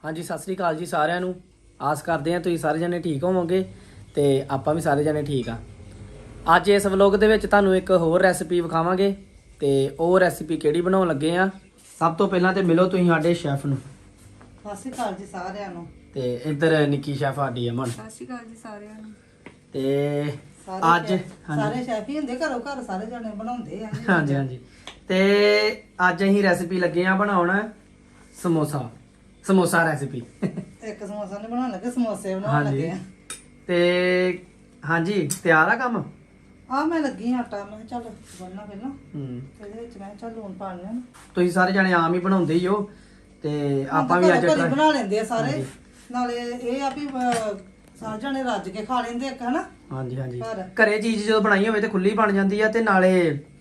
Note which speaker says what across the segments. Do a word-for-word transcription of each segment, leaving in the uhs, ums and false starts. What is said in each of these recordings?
Speaker 1: ਹਾਂਜੀ ਸਤਿ ਸ੍ਰੀ ਅਕਾਲ ਜੀ ਸਾਰਿਆਂ ਨੂੰ। ਆਸ ਕਰਦੇ ਹਾਂ ਤੁਸੀਂ ਸਾਰੇ ਜਣੇ ਠੀਕ ਹੋਵੋਗੇ ਤੇ ਆਪਾਂ ਵੀ ਸਾਰੇ ਜਣੇ ਠੀਕ ਆ। ਅੱਜ ਇਸ ਵਲੌਗ ਦੇ ਵਿੱਚ ਤੁਹਾਨੂੰ ਇੱਕ ਹੋਰ ਰੈਸਿਪੀ ਵਿਖਾਵਾਂਗੇ ਤੇ ਉਹ ਰੈਸਿਪੀ ਕਿਹੜੀ ਬਣਾਉਣ ਲੱਗੇ ਆ। ਸਭ ਤੋਂ ਪਹਿਲਾਂ ਤੇ ਮਿਲੋ ਤੁਸੀਂ ਸਾਡੇ ਸ਼ੈਫ ਨੂੰ।
Speaker 2: ਸਤਿ ਸ਼੍ਰੀ ਅਕਾਲ ਜੀ ਸਾਰਿਆਂ ਨੂੰ।
Speaker 1: ਤੇ ਇੱਧਰ ਨਿੱਕੀ ਸ਼ੈਫ ਸਾਡੀ ਅਮਨ।
Speaker 3: ਸਤਿ ਸ਼੍ਰੀ ਅਕਾਲ ਜੀ ਸਾਰਿਆਂ ਨੂੰ।
Speaker 1: ਤੇ
Speaker 2: ਸਾਰੇ
Speaker 1: ਅੱਜ
Speaker 2: ਸ਼ੈਫ- ਸਾਰੇ ਸ਼ੈਫ ਹੀ ਹੁੰਦੇ, ਘਰੋਂ ਘਰ ਸਾਰੇ ਜਣੇ ਬਣਾਉਂਦੇ ਆ।
Speaker 1: ਹਾਂਜੀ ਹਾਂਜੀ ਤੇ ਅੱਜ ਅਸੀਂ ਰੈਸਿਪੀ ਲੱਗੇ ਆ ਬਣਾਉਣ ਸਮੋਸਾ ਸਮੋਸਾ ਰੈਸਿਪੀ।
Speaker 2: ਇੱਕ ਸਮੋਸਾ ਨਹੀਂ ਬਣਾਉਣ ਲੱਗੇ, ਸਮੋਸੇ ਬਣਾਉਣ ਲੱਗੇ ਆ।
Speaker 1: ਤੇ ਹਾਂਜੀ ਤਿਆਰ ਆ ਕੰਮ।
Speaker 2: ਆ ਮੈਂ ਲੱਗੀ ਆਂ ਆਟਾ, ਮੈਂ ਕਿਹਾ ਚੱਲ ਬਣਨਾ ਪਹਿਲਾਂ
Speaker 1: ਹੂੰ
Speaker 2: ਇਹਦੇ ਵਿੱਚ ਮੈਂ ਕਿਹਾ ਚੱਲ ਲੂਣ ਪਾ ਲਿਆ ਨਾ।
Speaker 1: ਤੁਸੀਂ ਸਾਰੇ ਜਣੇ ਆਮ ਹੀ ਬਣਾਉਂਦੇ ਹੀ ਹੋ ਤੇ ਆਪਾਂ ਵੀ ਅੱਜ
Speaker 2: ਘਰੇ
Speaker 1: try-
Speaker 2: ਬਣਾ ਲੈਂਦੇ ਆ ਸਾਰੇ।
Speaker 1: ਹਾਂਜੀ।
Speaker 2: ਨਾਲੇ ਇਹ ਆ ਵੀ ਅਹ, ਸਾਰੇ ਜਣੇ ਰੱਜ ਕੇ ਖਾ ਲੈਂਦੇ ਇੱਕ, ਹਨਾ।
Speaker 1: ਹਾਂਜੀ ਹਾਂਜੀ
Speaker 2: ਘਰ।
Speaker 1: ਘਰੇ ਚੀਜ਼ ਜਦੋਂ ਬਣਾਈ ਹੋਵੇ ਤੇ ਖੁੱਲੀ ਬਣ ਜਾਂਦੀ ਆ ਤੇ ਨਾਲੇ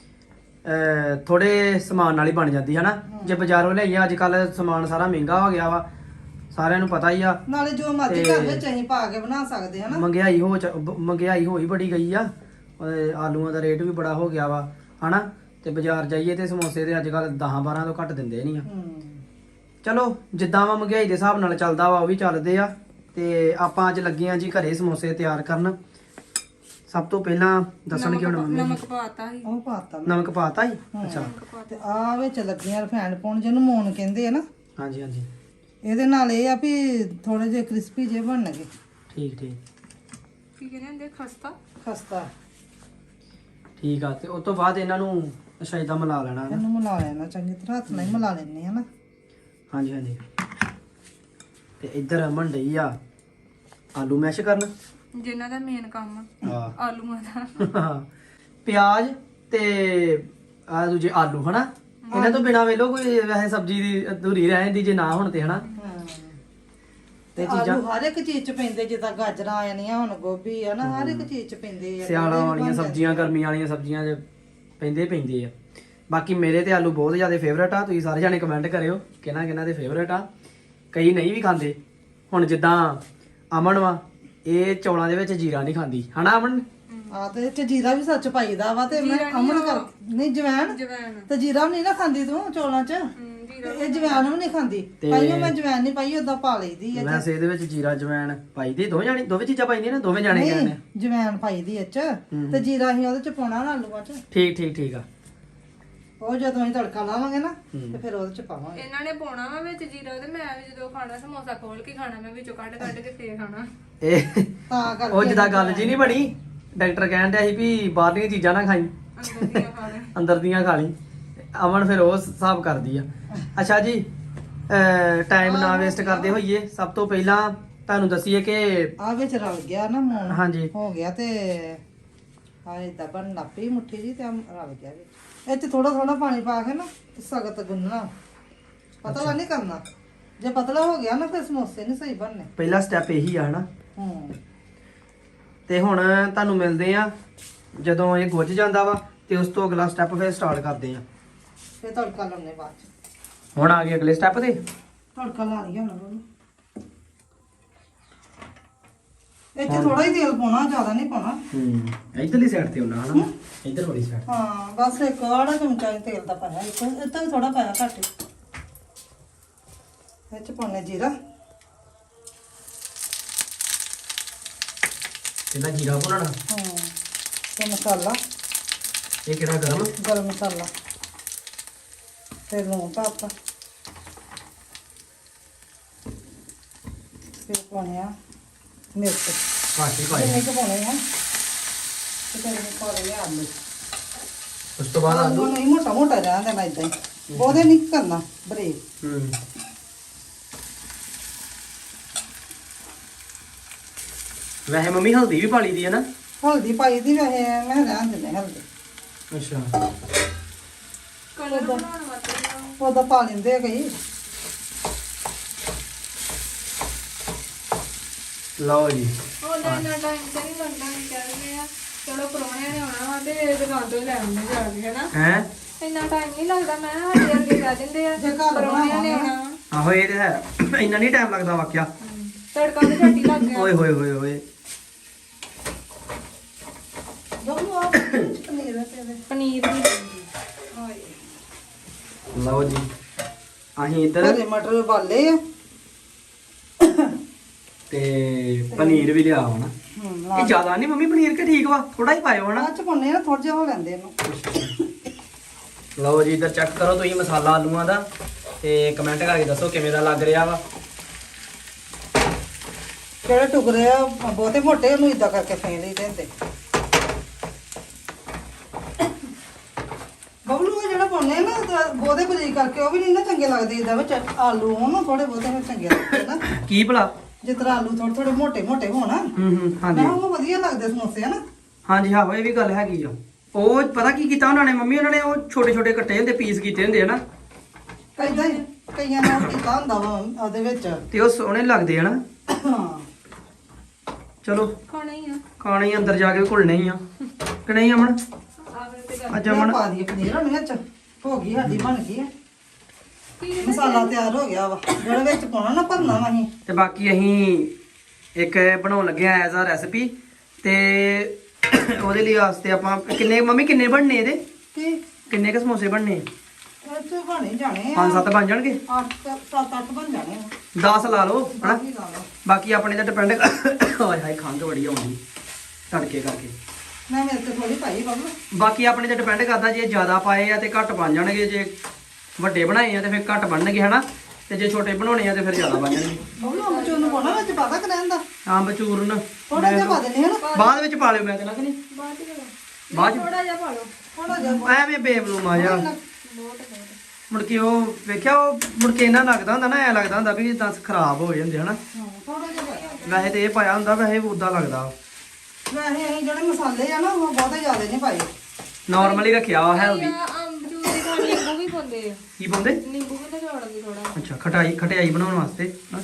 Speaker 1: ਅਹ, ਥੋੜੇ ਸਮਾਨ ਨਾਲ ਹੀ ਬਣ ਜਾਂਦੀ ਹੈ ਨਾ। ਜੇ ਬਾਜ਼ਾਰੋਂ ਲਈਏ ਅੱਜ ਕੱਲ ਸਮਾਨ ਸਾਰਾ ਮਹਿੰਗਾ ਹੋ ਗਿਆ ਵਾ, ਸਾਰਿਆਂ ਨੂੰ ਪਤਾ ਹੀ ਆ।
Speaker 2: ਨਾਲੇ ਜੋ ਮਰਜ਼ੀ
Speaker 1: ਤੇ-
Speaker 2: ਘਰ ਵਿੱਚ ਅਸੀਂ ਪਾ ਕੇ ਬਣਾ ਸਕਦੇ, ਹਨਾ।
Speaker 1: ਮਹਿੰਗਾਈ ਹੋ ਚ- ਬ- ਮਹਿੰਗਾਈ ਹੋਈ ਬੜੀ ਗਈ ਆ। ਅਹ, ਆਲੂਆਂ ਦਾ ਰੇਟ ਵੀ ਬੜਾ ਹੋ ਗਿਆ ਵਾ ਹਨਾ। ਤੇ ਬਾਜ਼ਾਰ ਜਾਈਏ ਤੇ ਸਮੋਸੇ ਤੇ ਅੱਜ ਕੱਲ ਦਸ ਬਾਰਾਂ ਤੋਂ ਘੱਟ ਦਿੰਦੇ ਨਹੀਂ ਆ।
Speaker 2: ਹੂੰ
Speaker 1: ਚਲੋ ਜਿੱਦਾਂ ਵਾ ਮਹਿੰਗਾਈ ਦੇ ਹਿਸਾਬ ਨਾਲ ਚੱਲਦਾ ਵਾ ਉਹ ਵੀ ਚੱਲਦੇ ਆ। ਤੇ ਆਪਾਂ ਅੱਜ ਲੱਗੇ ਆ ਜੀ ਘਰੇ ਸਮੋਸੇ ਤਿਆਰ ਕਰਨ। ਸਭ ਤੋਂ ਪਹਿਲਾਂ ਦੱਸਣਗੇ ਹੁਣ ਮੰਮੀ ਜੀ।
Speaker 3: ਨਮਕ ਪਾਤਾ ਸੀ।
Speaker 2: ਉਹ ਪਾਤਾ ਮੈਂ।
Speaker 1: ਨਮਕ ਪਾਤਾ ਹੀ
Speaker 2: ਹੂੰ।
Speaker 1: ਅੱਛਾ।
Speaker 2: ਤੇ ਆ ਵਿੱਚ ਲੱਗੀਆਂ ਰਿਫਾਈਂਡ ਪਾਉਣ, ਜਿਹਨੂੰ ਮੂਨ ਕਹਿੰਦੇ ਆ ਨਾ।
Speaker 1: ਹਾਂਜੀ ਹਾਂਜੀ
Speaker 2: ਇਹਦੇ ਨਾਲ ਇਹ ਆ ਵੀ ਥੋੜੇ ਜਿਹੇ ਕ੍ਰਿਸਪੀ ਜਿਹੇ ਬਣਨਗੇ।
Speaker 1: ਠੀਕ ਠੀਕ
Speaker 3: ਕੀ ਕਹਿੰਦੇ ਹੁੰਦੇ ਖਸਤਾ।
Speaker 2: ਖਸਤਾ
Speaker 1: ਠੀਕ ਆ। ਤੇ ਉਸ ਤੋਂ ਬਾਅਦ ਇਹਨਾਂ ਨੂੰ ਅੱਛਾ ਏਦਾਂ ਮਿਲਾ ਲੈਣਾ ਨਾ।
Speaker 2: ਇਹਨੂੰ ਮਿਲਾ ਲੈਣਾ ਚੰਗੀ ਤਰ੍ਹਾਂ, ਹੱਥ ਨਾਲ ਹੀ ਮਿਲਾ ਲੈਣੇ ਆ ਨਾ।
Speaker 1: ਹਾਂਜੀ ਹਾਂਜੀ ਤੇ ਇੱਧਰ ਅਮਨ ਡਈ ਆ ਆਲੂ ਮੈਸ਼ ਕਰਨ।
Speaker 3: ਜਿਨ੍ਹਾਂ ਦਾ ਮੇਨ ਕੰਮ ਆ
Speaker 1: ਹਾਂ
Speaker 3: ਆਲੂਆਂ ਦਾ।
Speaker 1: ਪਿਆਜ਼ ਤੇ ਆ ਦੂਜੇ ਆਲੂ ਹਨਾ। ਇਹਨਾਂ ਤੋਂ ਬਿਨਾ ਵੇਲੋ ਕੋਈ ਵੈਸੇ ਸਬਜ਼ੀ ਦੀ ਅਧੂਰੀ ਰਹਿ ਜਾਂਦੀ ਜੇ ਨਾ ਹੋਣ ਤੇ ਹਨਾ।
Speaker 2: ਤੇ
Speaker 1: ਚੀਜ਼ਾਂ-
Speaker 2: ਆਲੂ ਹਰ ਇੱਕ ਚੀਜ਼ ਚ ਪੈਂਦੇ, ਜਿੱਦਾਂ ਗਾਜਰਾਂ ਆ ਜਾਂਦੀਆਂ, ਹੁਣ ਗੋਭੀ ਆ ਨਾ, ਹਰ ਇੱਕ ਚੀਜ਼ ਚ ਪੈਂਦੇ ਆ।
Speaker 1: ਸਿਆਲਾਂ
Speaker 2: ਉਹਦੇ ਵੀ
Speaker 1: ਵਾਲੀਆਂ
Speaker 2: ਬਣ
Speaker 1: ਸਬਜ਼ੀਆਂ ਗਰਮੀਆਂ ਵਾਲੀਆਂ ਸਬਜ਼ੀਆਂ 'ਚ ਪੈਂਦੇ ਪੈਂਦੇ ਆ। ਬਾਕੀ ਮੇਰੇ ਤੇ ਆਲੂ ਬਹੁਤ ਜ਼ਿਆਦਾ ਫੇਵਰਟ ਆ। ਤੁਸੀਂ ਸਾਰੇ ਜਾਣੇ ਕਮੈਂਟ ਕਰਿਓ ਕਿਹਨਾਂ ਕਿਹਨਾਂ ਦੇ ਫੇਵਰਟ ਆ। ਕਈ ਨਹੀਂ ਵੀ ਖਾਂਦੇ। ਹੁਣ ਜਿੱਦਾਂ ਅਮਨ ਵਾ, ਇਹ ਚੌਲਾਂ ਦੇ ਵਿੱਚ ਜੀਰਾ ਨਹੀਂ ਖਾਂਦੀ ਹਨਾ ਅਮਨ।
Speaker 2: ਆ ਤੇ ਇਹ ਚ ਜੀਰਾ ਵੀ ਸੱਚ ਪਾਈਦਾ ਵਾ। ਤੇ ਮੈਂ
Speaker 3: ਜੀਰਾ ਨੀ
Speaker 2: ਅਮਨ
Speaker 3: ਉਹ-
Speaker 2: ਕਰ ਨਹੀਂ ਜਵੈਣ
Speaker 3: ਜਵੈਣ।
Speaker 2: ਤੇ ਜੀਰਾ ਵੀ ਨਹੀਂ ਨਾ ਖਾਂਦੀ ਤੂੰ ਚੌਲਾਂ ਚ।
Speaker 3: ਹਮ, ਜੀਰਾ
Speaker 2: ਤੇ ਇਹ ਜਵੈਣ ਵੀ ਨਹੀਂ ਖਾਂਦੀ।
Speaker 1: ਤੇ-
Speaker 2: ਪਾਈਓ ਮੈਂ ਜਵੈਣ ਨਹੀਂ ਪਾਈ, ਓਦਾਂ ਪਾ ਲਈਦੀ ਆ।
Speaker 1: ਵੈਸੇ ਇਹਦੇ ਵਿੱਚ ਜੀਰਾ ਜਵੈਣ ਪਾਈਦੀ ਦੋਵੇਂ ਜਾਣੀ ਦੋਵੇਂ ਚੀਜ਼ਾਂ ਪਾਈਦੀਆਂ ਨੇ ਦੋਵੇਂ ਜਾਣੇ ਕਹਿੰਦੇ
Speaker 2: ਨਹੀਂ ਜਵੈਣ ਪਾਈਦੀ ਇਹ ਚ, ਤੇ ਜੀਰਾ ਅਸੀਂ ਉਹਦੇ ਚ ਪਾਉਣਾ ਨਾ ਆਲੂਆਂ ਚ।
Speaker 1: ਠੀਕ ਠੀਕ ਠੀਕ ਆ।
Speaker 2: ਉਹ ਜਦੋਂ ਅਸੀਂ ਤੜਕਾ ਲਾਵਾਂਗੇ ਨਾ
Speaker 1: ਹੂੰ।
Speaker 2: ਤੇ ਫਿਰ ਉਹਦੇ ਚ ਪਾਵਾਂਗੇ।
Speaker 3: ਇਹਨਾਂ ਨੇ ਪਾਉਣਾ ਵਾ ਵਿੱਚ ਜੀਰਾ, ਤੇ ਮੈਂ ਵੀ ਜਦੋਂ ਖਾਣਾ ਸਮੋਸਾ ਖੋਲ ਕੇ ਖਾਣਾ, ਮੈਂ ਵਿੱਚੋਂ ਕੱਢ ਕੱਢ ਕੇ ਫੇਰ ਖਾਣਾ।
Speaker 1: ਇਹ
Speaker 2: ਤਾਂ ਕਰਕੇ
Speaker 1: ਉਹ ਜਿੱਦਾਂ ਗੱਲ ਜੀ ਨਹੀਂ ਬਣੀ, ਡਾਕਟਰ ਕਹਿਣ ਡਿਆ ਸੀ ਵੀ ਬਾਹਰਲੀਆਂ ਚੀਜ਼ਾਂ ਨਾ ਖਾਈ,
Speaker 3: ਅੰਦਰ ਦੀਆਂ ਖਾ ਲੈ।
Speaker 1: ਅੰਦਰ ਦੀਆਂ ਖਾ ਲਈ। ਅਮਨ ਫਿਰ ਉਹ ਹਿਸਾਬ ਕਰਦੀ ਆ। ਅੱਛਾ ਜੀ ਟਾਈਮ ਨਾ ਵੇਸਟ ਕਰਦੇ ਹੋਈਏ, ਸਭ ਤੋਂ ਪਹਿਲਾਂ ਤੁਹਾਨੂੰ ਦੱਸੀਏ ਕਿ
Speaker 2: ਆ ਵਿੱਚ ਰਲ ਗਿਆ ਨਾ ਮੂਣ।
Speaker 1: ਹਾਂਜੀ।
Speaker 2: ਹੋ ਗਿਆ ਤੇ ਆ ਇਦਾਂ ਬਣ ਲੱਪੀ ਮੁੱਠੀ ਜੀ, ਤੇ ਆਹ ਰਲ ਗਿਆ ਵਿੱਚ। ਇਹ ਚ ਥੋੜਾ ਥੋੜਾ ਪਾਣੀ ਪਾ ਕੇ ਨਾ ਸਖਤ ਗੁੰਨਣਾ, ਪਤਲਾ ਨਹੀਂ ਕਰਨਾ। ਜੇ ਪਤਲਾ ਹੋ ਗਿਆ ਨਾ ਫਿਰ ਸਮੋਸੇ ਨਹੀਂ ਸਹੀ ਬਣਨੇ।
Speaker 1: ਪਹਿਲਾ ਸਟੈਪ ਇਹੀ ਆ ਹਨਾ।
Speaker 2: ਹੂੰ
Speaker 1: ਤੇ ਹੁਣ ਤੁਹਾਨੂੰ ਮਿਲਦੇ ਆ ਜਦੋਂ ਇਹ ਗੁੱਝ ਜਾਂਦਾ ਵਾ, ਤੇ ਉਸ ਤੋਂ ਅਗਲਾ ਸਟੈਪ ਫਿਰ ਸਟਾਰਟ ਕਰਦੇ ਆ।
Speaker 2: ਫਿਰ ਤੜਕਾ ਲਾਉਣੇ ਬਾਅਦ ਚ।
Speaker 1: ਹੁਣ ਆ ਗਏ ਅਗਲੇ ਸਟੈਪ ਤੇ।
Speaker 2: ਤੜਕਾ ਲਾ ਲਈਏ ਹੁਣ ਉਹਨੂੰ। ਇਹ ਚ ਥੋੜਾ ਹੀ ਤੇਲ ਪਾਉਣਾ, ਜ਼ਿਆਦਾ ਨਹੀਂ ਪਾਉਣਾ।
Speaker 1: ਹੂੰ ਇਧਰਲੀ ਸਾਈਡ ਤੇ ਉਹਨਾਂ ਹਨਾ, ਇਧਰ ਵਾਲੀ ਸਾਈਡ।
Speaker 2: ਹਾਂ ਬਸ ਇੱਕ ਆੜਾ ਚਮਚਾ ਹੀ ਤੇਲ ਦਾ ਪਾਇਆ, ਇੱਕ ਇਹ ਤੋਂ ਵੀ ਥੋੜਾ ਪਾਇਆ ਘੱਟ ਹੀ। ਇਹ ਚ ਪਾਉਣੇ ਜੀਰਾ,
Speaker 1: ਇਹਦਾ ਜੀਰਾ ਭੁੰਨਣਾ।
Speaker 2: ਹੂੰ ਤੇ ਮਸਾਲਾ,
Speaker 1: ਇਹ ਕਿਹੜਾ ਗਰਮ?
Speaker 2: ਗਰਮ ਮਸਾਲਾ, ਤੇ ਲੂਣ ਪਾਤਾ, ਫਿਰ ਪਾਉਣੇ ਆ ਮਿਰਚ।
Speaker 1: ਘੱਟ ਹੀ ਪਾਏ।
Speaker 2: ਕਿੰਨੇ ਕੁ ਪਾਉਣੇ ਆ? ਤੇ ਫਿਰ ਇਹ ਪਾ ਲਏ ਆਲੂ।
Speaker 1: ਉਸ ਤੋਂ ਬਾਅਦ ਆਲੂ।
Speaker 2: ਨਹੀਂ ਮੋਟਾ ਮੋਟਾ ਰਹਿਣ ਦੇਣਾ ਏਦਾਂ ਹੀ, ਉਹਦੇ ਨਹੀਂ ਕਰਨਾ ਬਰੀਕ।
Speaker 1: ਹੂੰ ਵੈਸੇ ਮੰਮੀ ਹਲਦੀ ਵੀ ਪਾ ਲਈ ਦੀ ਹੈ ਨਾ।
Speaker 2: ਹਲਦੀ ਪਾਈ ਦੀ ਵੈਸੇ ਮੈਂ ਰਹਿਣ ਦਿੰਦੇ ਹਲਦੀ,
Speaker 1: ਅੱਛਾ
Speaker 3: ਕਲਰ ਬਣਾਉਣ ਵਾਸਤੇ ਨਾ।
Speaker 2: ਉਹਦਾ ਪਾ ਲੈਂਦੇ ਆ ਕਈ।
Speaker 1: ਲਓ ਜੀ।
Speaker 3: ਉਹਦਾ ਇੰਨਾ ਟਾਈਮ ਤੇ ਨਹੀਂ ਲੱਗਦਾ, ਨਹੀਂ ਕਹਿੰਦੇ ਆ ਚਲੋ ਪ੍ਰਾਹੁਣਿਆਂ ਨੇ ਆਉਣਾ ਵਾ ਤੇ ਦੁਕਾਨ ਤੋਂ ਹੀ ਲੈ ਆਉਂਦੇ ਜਾ ਕੇ, ਹਨਾ।
Speaker 1: ਹੈ
Speaker 3: ਇੰਨਾ ਟਾਈਮ ਨਹੀਂ ਲੱਗਦਾ। ਮੈਂ ਸਾਡੇ ਅੱਗੇ ਕਹਿ ਦਿੰਦੇ ਆ
Speaker 2: ਜੇ ਘਰ
Speaker 3: ਪ੍ਰਾਹੁਣਿਆਂ ਨੇ ਆਉਣਾ ਵਾ।
Speaker 1: ਆਹੋ ਇਹ ਤੇ ਹੈ। ਇੰਨਾ ਨਹੀਂ ਟਾਈਮ ਲੱਗਦਾ ਵਾਕਿਆ।
Speaker 3: ਹਮ, ਤੜਕਾ ਤੇ ਛੱਟੀ ਲੱਗ ਗਿਆ।
Speaker 1: ਓਏ ਹੋਏ ਹੋਏ ਹੋਏ।
Speaker 2: ਦੋਨੋਂ ਆ ਪਨੀਰ ਹੈ ਤੇ
Speaker 3: ਪਨੀਰ ਵੀ
Speaker 2: ਹਾਏ।
Speaker 1: ਲਓ ਜੀ ਅਸੀਂ ਇੱਧਰ
Speaker 2: ਹਰੇ ਮਟਰ ਉਬਾਲੇ ਆ, ਤੇ ਫਿਰ ਪਾ ਲਏ ਆਲੂ।
Speaker 1: ਲਓ ਜੀ। ਅਸੀਂ ਇੱਧਰ
Speaker 2: ਆਲੂ ਨਹੀਂ ਮੋਟਾ ਮੋਟਾ ਰਹਿਣ ਦੇਣਾ ਏਦਾਂ ਹੀ, ਉਹਦੇ ਨਹੀਂ ਕਰਨਾ ਬਰੀਕ।
Speaker 1: ਹੂੰ
Speaker 2: ਹੂੰ
Speaker 1: ਤੇ ਪਨੀਰ ਵੀ ਲਿਆ ਹੋਣਾ।
Speaker 2: ਹੂੰ
Speaker 1: ਇਹ ਜ਼ਿਆਦਾ ਨਹੀਂ ਮੰਮੀ ਪਨੀਰ ਕਿ ਠੀਕ ਵਾ, ਥੋੜਾ ਹੀ ਪਾਇਓ ਹਨਾ।
Speaker 2: ਬਾਅਦ ਚ ਪਾਉਣੇ ਨਾ ਥੋੜਾ ਜਿਹਾ ਹੋ ਲੈਂਦੇ ਇਹਨੂੰ।
Speaker 1: ਲਓ ਜੀ ਇੱਧਰ ਚੈੱਕ ਕਰੋ ਤੁਸੀਂ ਮਸਾਲਾ ਆਲੂਆਂ ਦਾ ਤੇ ਕਮੈਂਟ ਕਰਕੇ ਦੱਸੋ ਕਿਵੇਂ ਦਾ ਲੱਗ ਰਿਹਾ ਵਾ।
Speaker 2: ਜਿਹੜੇ ਟੁਕੜੇ ਆ ਬਹੁਤੇ ਮੋਟੇ ਉਹਨੂੰ ਇਦਾਂ ਕਰਕੇ ਫੇਂ ਲਈ ਦਿੰਦੇ। ਬਬਲੂ ਉਹ ਜਿਹੜਾ ਪਾਉਣੇ ਨਾ ਤਾਂ ਬਹੁਤੇ ਬਰੀਕ ਕਰਕੇ ਉਹ ਵੀ ਨਹੀਂ ਨਾ ਚੰਗੇ ਲੱਗਦੇ। ਇਹਦਾ ਵਿੱਚ ਆਲੂ ਹੋਣ ਥੋੜੇ ਬਹੁਤੇ ਫਿਰ ਚੰਗੇ ਲੱਗਦੇ ਨਾ।
Speaker 1: ਕੀ ਭਲਾ?
Speaker 2: ਜਿਸ ਤਰ੍ਹਾਂ ਆਲੂ ਥੋੜੇ ਥੋੜੇ ਮੋਟੇ ਮੋਟੇ ਹੋਣ
Speaker 1: ਹੂੰ ਹੂੰ ਹਾਂਜੀ
Speaker 2: ਨਾ ਉਹ ਵਧੀਆ ਲੱਗਦੇ ਸਮੋਸੇ ਹਨਾ।
Speaker 1: ਹਾਂਜੀ ਹਾਂ ਇਹ ਵੀ ਗੱਲ ਹੈਗੀ ਆ। ਉਹ ਪਤਾ ਕੀ ਕੀਤਾ ਉਹਨਾਂ ਨੇ ਮੰਮੀ, ਉਹਨਾਂ ਨੇ ਉਹ ਛੋਟੇ ਛੋਟੇ ਕੱਟੇ ਹੁੰਦੇ ਪੀਸ ਕੀਤੇ ਹੁੰਦੇ ਹਨਾ।
Speaker 2: ਕਈਆਂ ਕਈਆਂ ਨੇ ਉਹ ਕੀਤਾ ਹੁੰਦਾ ਵਾ ਉਹਦੇ ਵਿੱਚ।
Speaker 1: ਤੇ ਉਹ ਸੋਹਣੇ ਲੱਗਦੇ ਹਨਾ।
Speaker 2: ਹਾਂ
Speaker 1: ਚਲੋ
Speaker 3: ਖਾਣਾ ਹੀ ਆ
Speaker 1: ਖਾਣੇ ਹੀ ਅੰਦਰ ਜਾ ਕੇ ਘੁਲਣੇ ਹੀ ਆ ਕਿ ਨਹੀਂ ਅਮਨ?
Speaker 3: ਆਵੇ ਤੇ ਗੱਲ
Speaker 1: ਅੱਜ ਅਮਨ
Speaker 2: ਪਾ ਦਈਏ ਪਨੀਰ ਹੁਣ ਵਿੱਚ। ਹੋ ਗਈ ਸਾਡੀ ਬਣ ਗਈ ਹੈ।
Speaker 3: ਕੀ
Speaker 2: ਮਸਾਲਾ ਤਿਆਰ ਹੋ ਗਿਆ ਵਾ ਜਿਹੜਾ ਵਿੱਚ ਪਾਉਣਾ ਨਾ ਭਰਨਾ ਵਾ ਅਸੀਂ।
Speaker 1: ਤੇ ਬਾਕੀ ਅਸੀਂ ਇੱਕ ਬਣਾਉਣ ਲੱਗੇ ਆ ਐਜ਼ ਆ ਰੈਸਪੀ ਤੇ ਉਹਦੇ ਲਈ ਵਾਸਤੇ ਆਪਾਂ ਕਿੰਨੇ ਮੰਮੀ ਕਿੰਨੇ ਬਣਨੇ ਇਹਦੇ?
Speaker 2: ਕੀ
Speaker 1: ਕਿੰਨੇ ਕ ਸਮੋਸੇ ਬਣਨੇ?
Speaker 2: ਇਹ ਚ ਬਣੇ ਜਾਣੇ ਆ
Speaker 1: ਪੰਜ ਸੱਤ ਬਣ ਜਾਣਗੇ?
Speaker 2: ਅੱਠ ਸੱਤ ਅੱਠ ਬਣ ਜਾਣੇ ਆ।
Speaker 1: ਦਸ ਲਾ ਲਓ ਹਨਾ।
Speaker 2: ਦਸ ਹੀ ਲਾ ਲਓ।
Speaker 1: ਬਾਕੀ ਆਪਣੇ ਤੇ ਡਿਪੈਂਡ ਹਾਏ ਹਾਏ ਖੰਘ ਬੜੀ ਆਉਂਦੀ ਤੜਕੇ ਕਰਕੇ।
Speaker 2: ਮੈਂ ਮੇਰੇ ਤੇ ਥੋੜੀ ਪਾਈ ਬਾਬੂ।
Speaker 1: ਬਾਕੀ ਆਪਣੇ ਤੇ ਡਿਪੈਂਡ ਕਰਦਾ ਜੇ ਜ਼ਿਆਦਾ ਪਾਏ ਆ ਤੇ ਘੱਟ ਬਣ ਜਾਣਗੇ, ਜੇ ਵੱਡੇ ਬਣਾਏ ਆ ਤੇ ਫਿਰ ਘੱਟ ਬਣਨਗੇ ਹਨਾ, ਤੇ ਜੇ ਛੋਟੇ ਬਣਾਉਣੇ ਆ ਤੇ ਫਿਰ ਜ਼ਿਆਦਾ ਬਣ ਜਾਣਗੇ।
Speaker 2: ਬਾਬੂ ਅੰਬ ਚੂਰ ਨੂੰ ਪਾਉਣਾ ਵਿੱਚ ਪਤਾ ਕਿ ਰਹਿੰਦਾ
Speaker 1: ਅੰਬ ਚੂਰਨ
Speaker 2: ਥੋੜਾ ਜਿਹਾ ਪਾ ਦੇਣੇ ਹਨਾ।
Speaker 1: ਬਾਅਦ ਵਿੱਚ ਪਾ ਲਿਓ ਮੈਂ ਕਹਿੰਦਾ ਕਿ ਨਹੀਂ
Speaker 3: ਬਾਅਦ ਹੀ ਕਰੋ
Speaker 1: ਬਾਅਦ ਚ
Speaker 3: ਥੋੜਾ ਜਿਹਾ ਪਾ ਲਓ
Speaker 2: ਥੋੜਾ ਜਿਹਾ
Speaker 1: ਐਵੇਂ ਬੇਬਲੂਮ ਆ ਜਾ।
Speaker 3: ਬਹੁਤ ਬਹੁਤ
Speaker 1: ਮੁੜ ਕੇ ਉਹ ਵੇਖਿਆ ਉਹ ਮੁੜ ਕੇ ਇਹਨਾਂ ਲੱਗਦਾ ਹੁੰਦਾ ਨਾ, ਐ ਲੱਗਦਾ ਹੁੰਦਾ ਵੀ ਦਸ ਖਰਾਬ ਹੋ ਜਾਂਦੇ ਹਨਾ।
Speaker 2: ਹਾਂ ਥੋੜਾ ਜਿਹਾ ਪਾਇਆ।
Speaker 1: ਵੈਸੇ ਤੇ ਇਹ ਪਾਇਆ ਹੁੰਦਾ, ਵੈਸੇ ਉਦਾਂ ਲੱਗਦਾ
Speaker 2: ਵੈਸੇ ਅਸੀਂ ਜਿਹੜੇ ਮਸਾਲੇ ਆ ਨਾ ਉਹ ਬਹੁਤੇ ਜ਼ਿਆਦਾ ਨਹੀਂ ਪਾਏ।
Speaker 1: ਨਾਰਮਲੀ ਰੱਖਿਆ ਵਾ ਹੈਲਦੀ।
Speaker 3: ਅੰਬ ਜੂਸ ਦਾ ਨਿੰਬੂ ਵੀ ਪਾਉਂਦੇ ਆ।
Speaker 1: ਕੀ ਪਾਉਂਦੇ?
Speaker 3: ਨਿੰਬੂ ਵੀ ਨਿਚੋੜਦੇ ਥੋੜਾ।
Speaker 1: ਅੱਛਾ ਖਟਾਈ ਖਟਾਈ ਬਣਾਉਣ ਵਾਸਤੇ ਨਾ।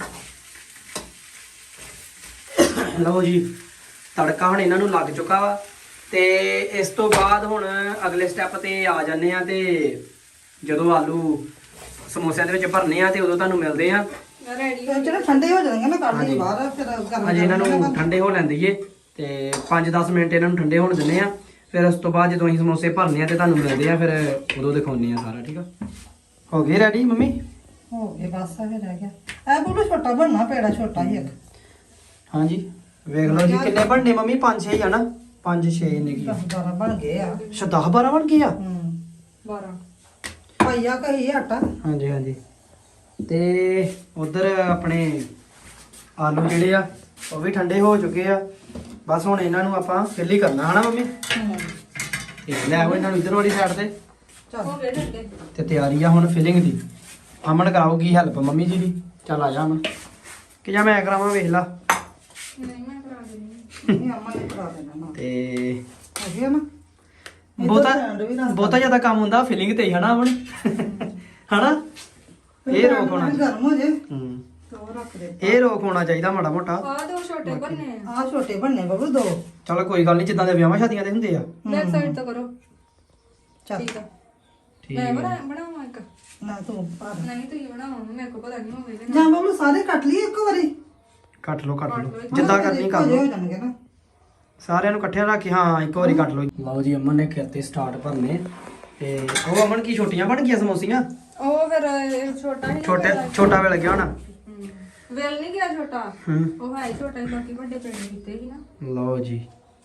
Speaker 1: ਲਓ ਜੀ ਤੜਕਾ ਹੁਣ ਇਹਨਾਂ ਨੂੰ ਲੱਗ ਚੁੱਕਾ ਵਾ ਤੇ ਇਸ ਤੋਂ ਬਾਅਦ ਹੁਣ ਅਗਲੇ ਸਟੈਪ ਤੇ ਆ ਜਾਂਦੇ ਆ ਤੇ ਜਦੋਂ ਆਲੂ ਸਮੋਸਿਆਂ ਦੇ ਵਿੱਚ ਭਰਨੇ ਆ ਤੇ ਉਦੋਂ ਤੁਹਾਨੂੰ ਮਿਲਦੇ ਆ।
Speaker 3: ਰੈਡੀ
Speaker 2: ਇਹ ਜਿਹੜੇ ਠੰਡੇ ਹੋ ਜਾਣਗੇ ਨਾ ਕੱਢ ਲਈ ਬਾਹਰ ਫਿਰ ਗਰਮ
Speaker 1: ਅਜੇ ਇਹਨਾਂ ਨੂੰ ਠੰਡੇ ਹੋ ਲੈਣ ਦਈਏ ਤੇ ਪੰਜ ਦਸ ਮਿੰਟ ਇਹਨਾਂ ਨੂੰ ਠੰਡੇ ਹੋਣ ਦਿੰਦੇ ਆ। ਫਿਰ ਉਸ ਤੋਂ ਬਾਅਦ ਜਦੋਂ ਅਸੀਂ ਸਮੋਸੇ ਭਰਨੇ ਆ ਤੇ ਤੁਹਾਨੂੰ ਮਿਲਦੇ ਆ, ਫਿਰ ਉਦੋਂ ਦਿਖਾਉਂਦੇ ਆ ਸਾਰਾ। ਠੀਕ ਆ ਹੋ ਗਏ ਰੈਡੀ ਮੰਮੀ?
Speaker 2: ਹੋ ਗਏ ਬਸ ਆ ਫਿਰ ਰਹਿ ਗਿਆ। ਇਹ ਬੋਲੋ ਛੋਟਾ ਬਣਨਾ ਪੇੜਾ ਛੋਟਾ ਹੀ ਇੱਕ।
Speaker 1: ਹਾਂਜੀ ਵੇਖ ਲਓ ਜੀ ਕਿੰਨੇ ਬਣਨੇ ਮੰਮੀ? ਪੰਜ ਛੇ ਹੀ ਆ ਨਾ? ਪੰਜ ਛੇ ਨੇ ਕੀ
Speaker 2: ਦਸ ਬਾਰਾਂ ਬਣ ਗਏ ਆ।
Speaker 1: ਅੱਛਾ ਦਸ ਬਾਰਾਂ ਬਣ ਗਏ ਆ।
Speaker 2: ਹੂੰ
Speaker 3: ਬਾਰਾਂ
Speaker 2: ਪਾਈਆ ਕਹੀ ਆਟਾ।
Speaker 1: ਹਾਂਜੀ ਹਾਂਜੀ ਤੇ ਉਧਰ ਆਪਣੇ ਆਲੂ ਜਿਹੜੇ ਆ ਉਹ ਵੀ ਠੰਡੇ ਹੋ ਚੁੱਕੇ ਆ। ਬਸ ਹੁਣ ਇਹਨਾਂ ਨੂੰ ਆਪਾਂ ਫਿਲ ਹੀ ਕਰਨਾ ਹਨਾ ਮੰਮੀ?
Speaker 2: ਹੂੰ
Speaker 1: ਤੇ ਲੈ ਆਓ ਇਹਨਾਂ ਨੂੰ ਇਧਰ ਵਾਲੀ ਸਾਈਡ ਤੇ
Speaker 2: ਚੱਲ
Speaker 3: ਹੋ ਗਏ ਠੰਡੇ।
Speaker 1: ਤੇ ਤਿਆਰੀ ਆ ਹੁਣ ਫਿਲਿੰਗ ਦੀ। ਅਮਨ ਕਰਾਉਗੀ ਹੈਲਪ ਮੰਮੀ ਜੀ ਦੀ। ਚੱਲ ਆ ਜਾ ਅਮਨ ਕਿ ਜਾਂ ਮੈਂ ਕਰਾਵਾਂ ਵੇਖ ਲਾ।
Speaker 3: ਨਹੀਂ ਮੈਂ ਕਰਾ ਦਿੰਦੀ
Speaker 2: ਇਹ ਅੰਮਾ ਨੇ ਕਰਾ ਦੇਣਾ ਨਾ।
Speaker 1: ਤੇ
Speaker 2: ਹੈਗੀ ਆ ਨਾ
Speaker 1: ਬਹੁਤਾ ਬਹੁਤਾ ਜ਼ਿਆਦਾ ਕੰਮ ਹੁੰਦਾ ਫਿਲਿੰਗ ਤੇ ਹੀ ਹਨਾ ਅਮਨ? ਹਨਾ ਇਹ ਰੋਕ ਹੋਣਾ
Speaker 2: ਗਰਮ ਹੋ ਜੇ
Speaker 1: ਹੂੰ
Speaker 2: ਤੋ ਰੱਖ ਦੇ।
Speaker 1: ਇਹ ਰੋਕ ਹੋਣਾ ਚਾਹੀਦਾ ਮਾੜਾ ਮੋਟਾ।
Speaker 3: ਆ ਦੋ ਛੋਟੇ ਬਣਨੇ ਆ।
Speaker 2: ਆ ਛੋਟੇ ਬਣਨੇ ਬਬੂ ਦੋ।
Speaker 1: ਚਲ ਕੋਈ ਗੱਲ ਨਹੀਂ, ਜਿੱਦਾਂ ਦੇ ਵਿਆਹਾਂ ਸ਼ਾਦੀਆਂ ਦੇ ਹੁੰਦੇ ਆ।
Speaker 3: ਬੈਕ ਸਾਈਡ ਤੋਂ ਕਰੋ।
Speaker 2: ਚੱਲ
Speaker 3: ਠੀਕ ਆ
Speaker 1: ਠੀਕ
Speaker 3: ਮੈਂ
Speaker 1: ਹੈ
Speaker 3: ਬਣਾ ਬਣਾਵਾਂ ਇੱਕ।
Speaker 2: ਨਾ ਤੂੰ ਪਾ ਦੇ।
Speaker 3: ਨਹੀਂ ਤੁਸੀਂ ਬਣਾਓ ਮੇਰੇ ਕੋਲ ਪਤਾ ਨਹੀਂ ਹੋਵੇਗਾ
Speaker 2: ਜਾਂ ਬਬੂ ਸਾਰੇ ਕੱਟ ਲਈ ਇੱਕ ਵਾਰੀ।
Speaker 1: ਕੱਟ ਲਓ ਕੱਟ ਲਓ ਜਿੱਦਾਂ ਕਰਨੀ ਕਰ
Speaker 2: ਹੋ
Speaker 1: ਲਓ।
Speaker 2: ਜਾਣਗੇ ਨਾ।
Speaker 1: ਸਾਰਿਆਂ ਨੂੰ ਇਕੱਠਿਆਂ ਰੱਖ ਕੇ ਹਾਂ ਇੱਕ ਵਾਰੀ ਕੱਟ ਲਓ। ਲਓ ਜੀ ਅਮਨ ਨੇ ਕਰਤੇ ਸਟਾਰਟ ਭਰਨੇ ਤੇ ਉਹ ਅਮਨ ਕੀ ਛੋਟੀਆਂ ਬਣ ਗਈਆਂ ਸਮੋਸੀਆਂ?
Speaker 3: ਉਹ ਫਿਰ ਇਹ ਛੋਟਾ ਹੀ
Speaker 1: ਛੋਟੇ ਛੋਟਾ ਵੇ ਲੱਗਿਆ ਹੋਣਾ।
Speaker 3: ਵੇਲ ਨਹੀਂ ਗਿਆ ਛੋਟਾ।
Speaker 1: ਹੂੰ
Speaker 3: ਉਹ ਹੈ ਹੀ ਛੋਟਾ ਹੀ, ਬਾਕੀ ਵੱਡੇ ਪਿੰਡ ਕੀਤੇ ਸੀ ਨਾ।
Speaker 1: ਲਓ ਜੀ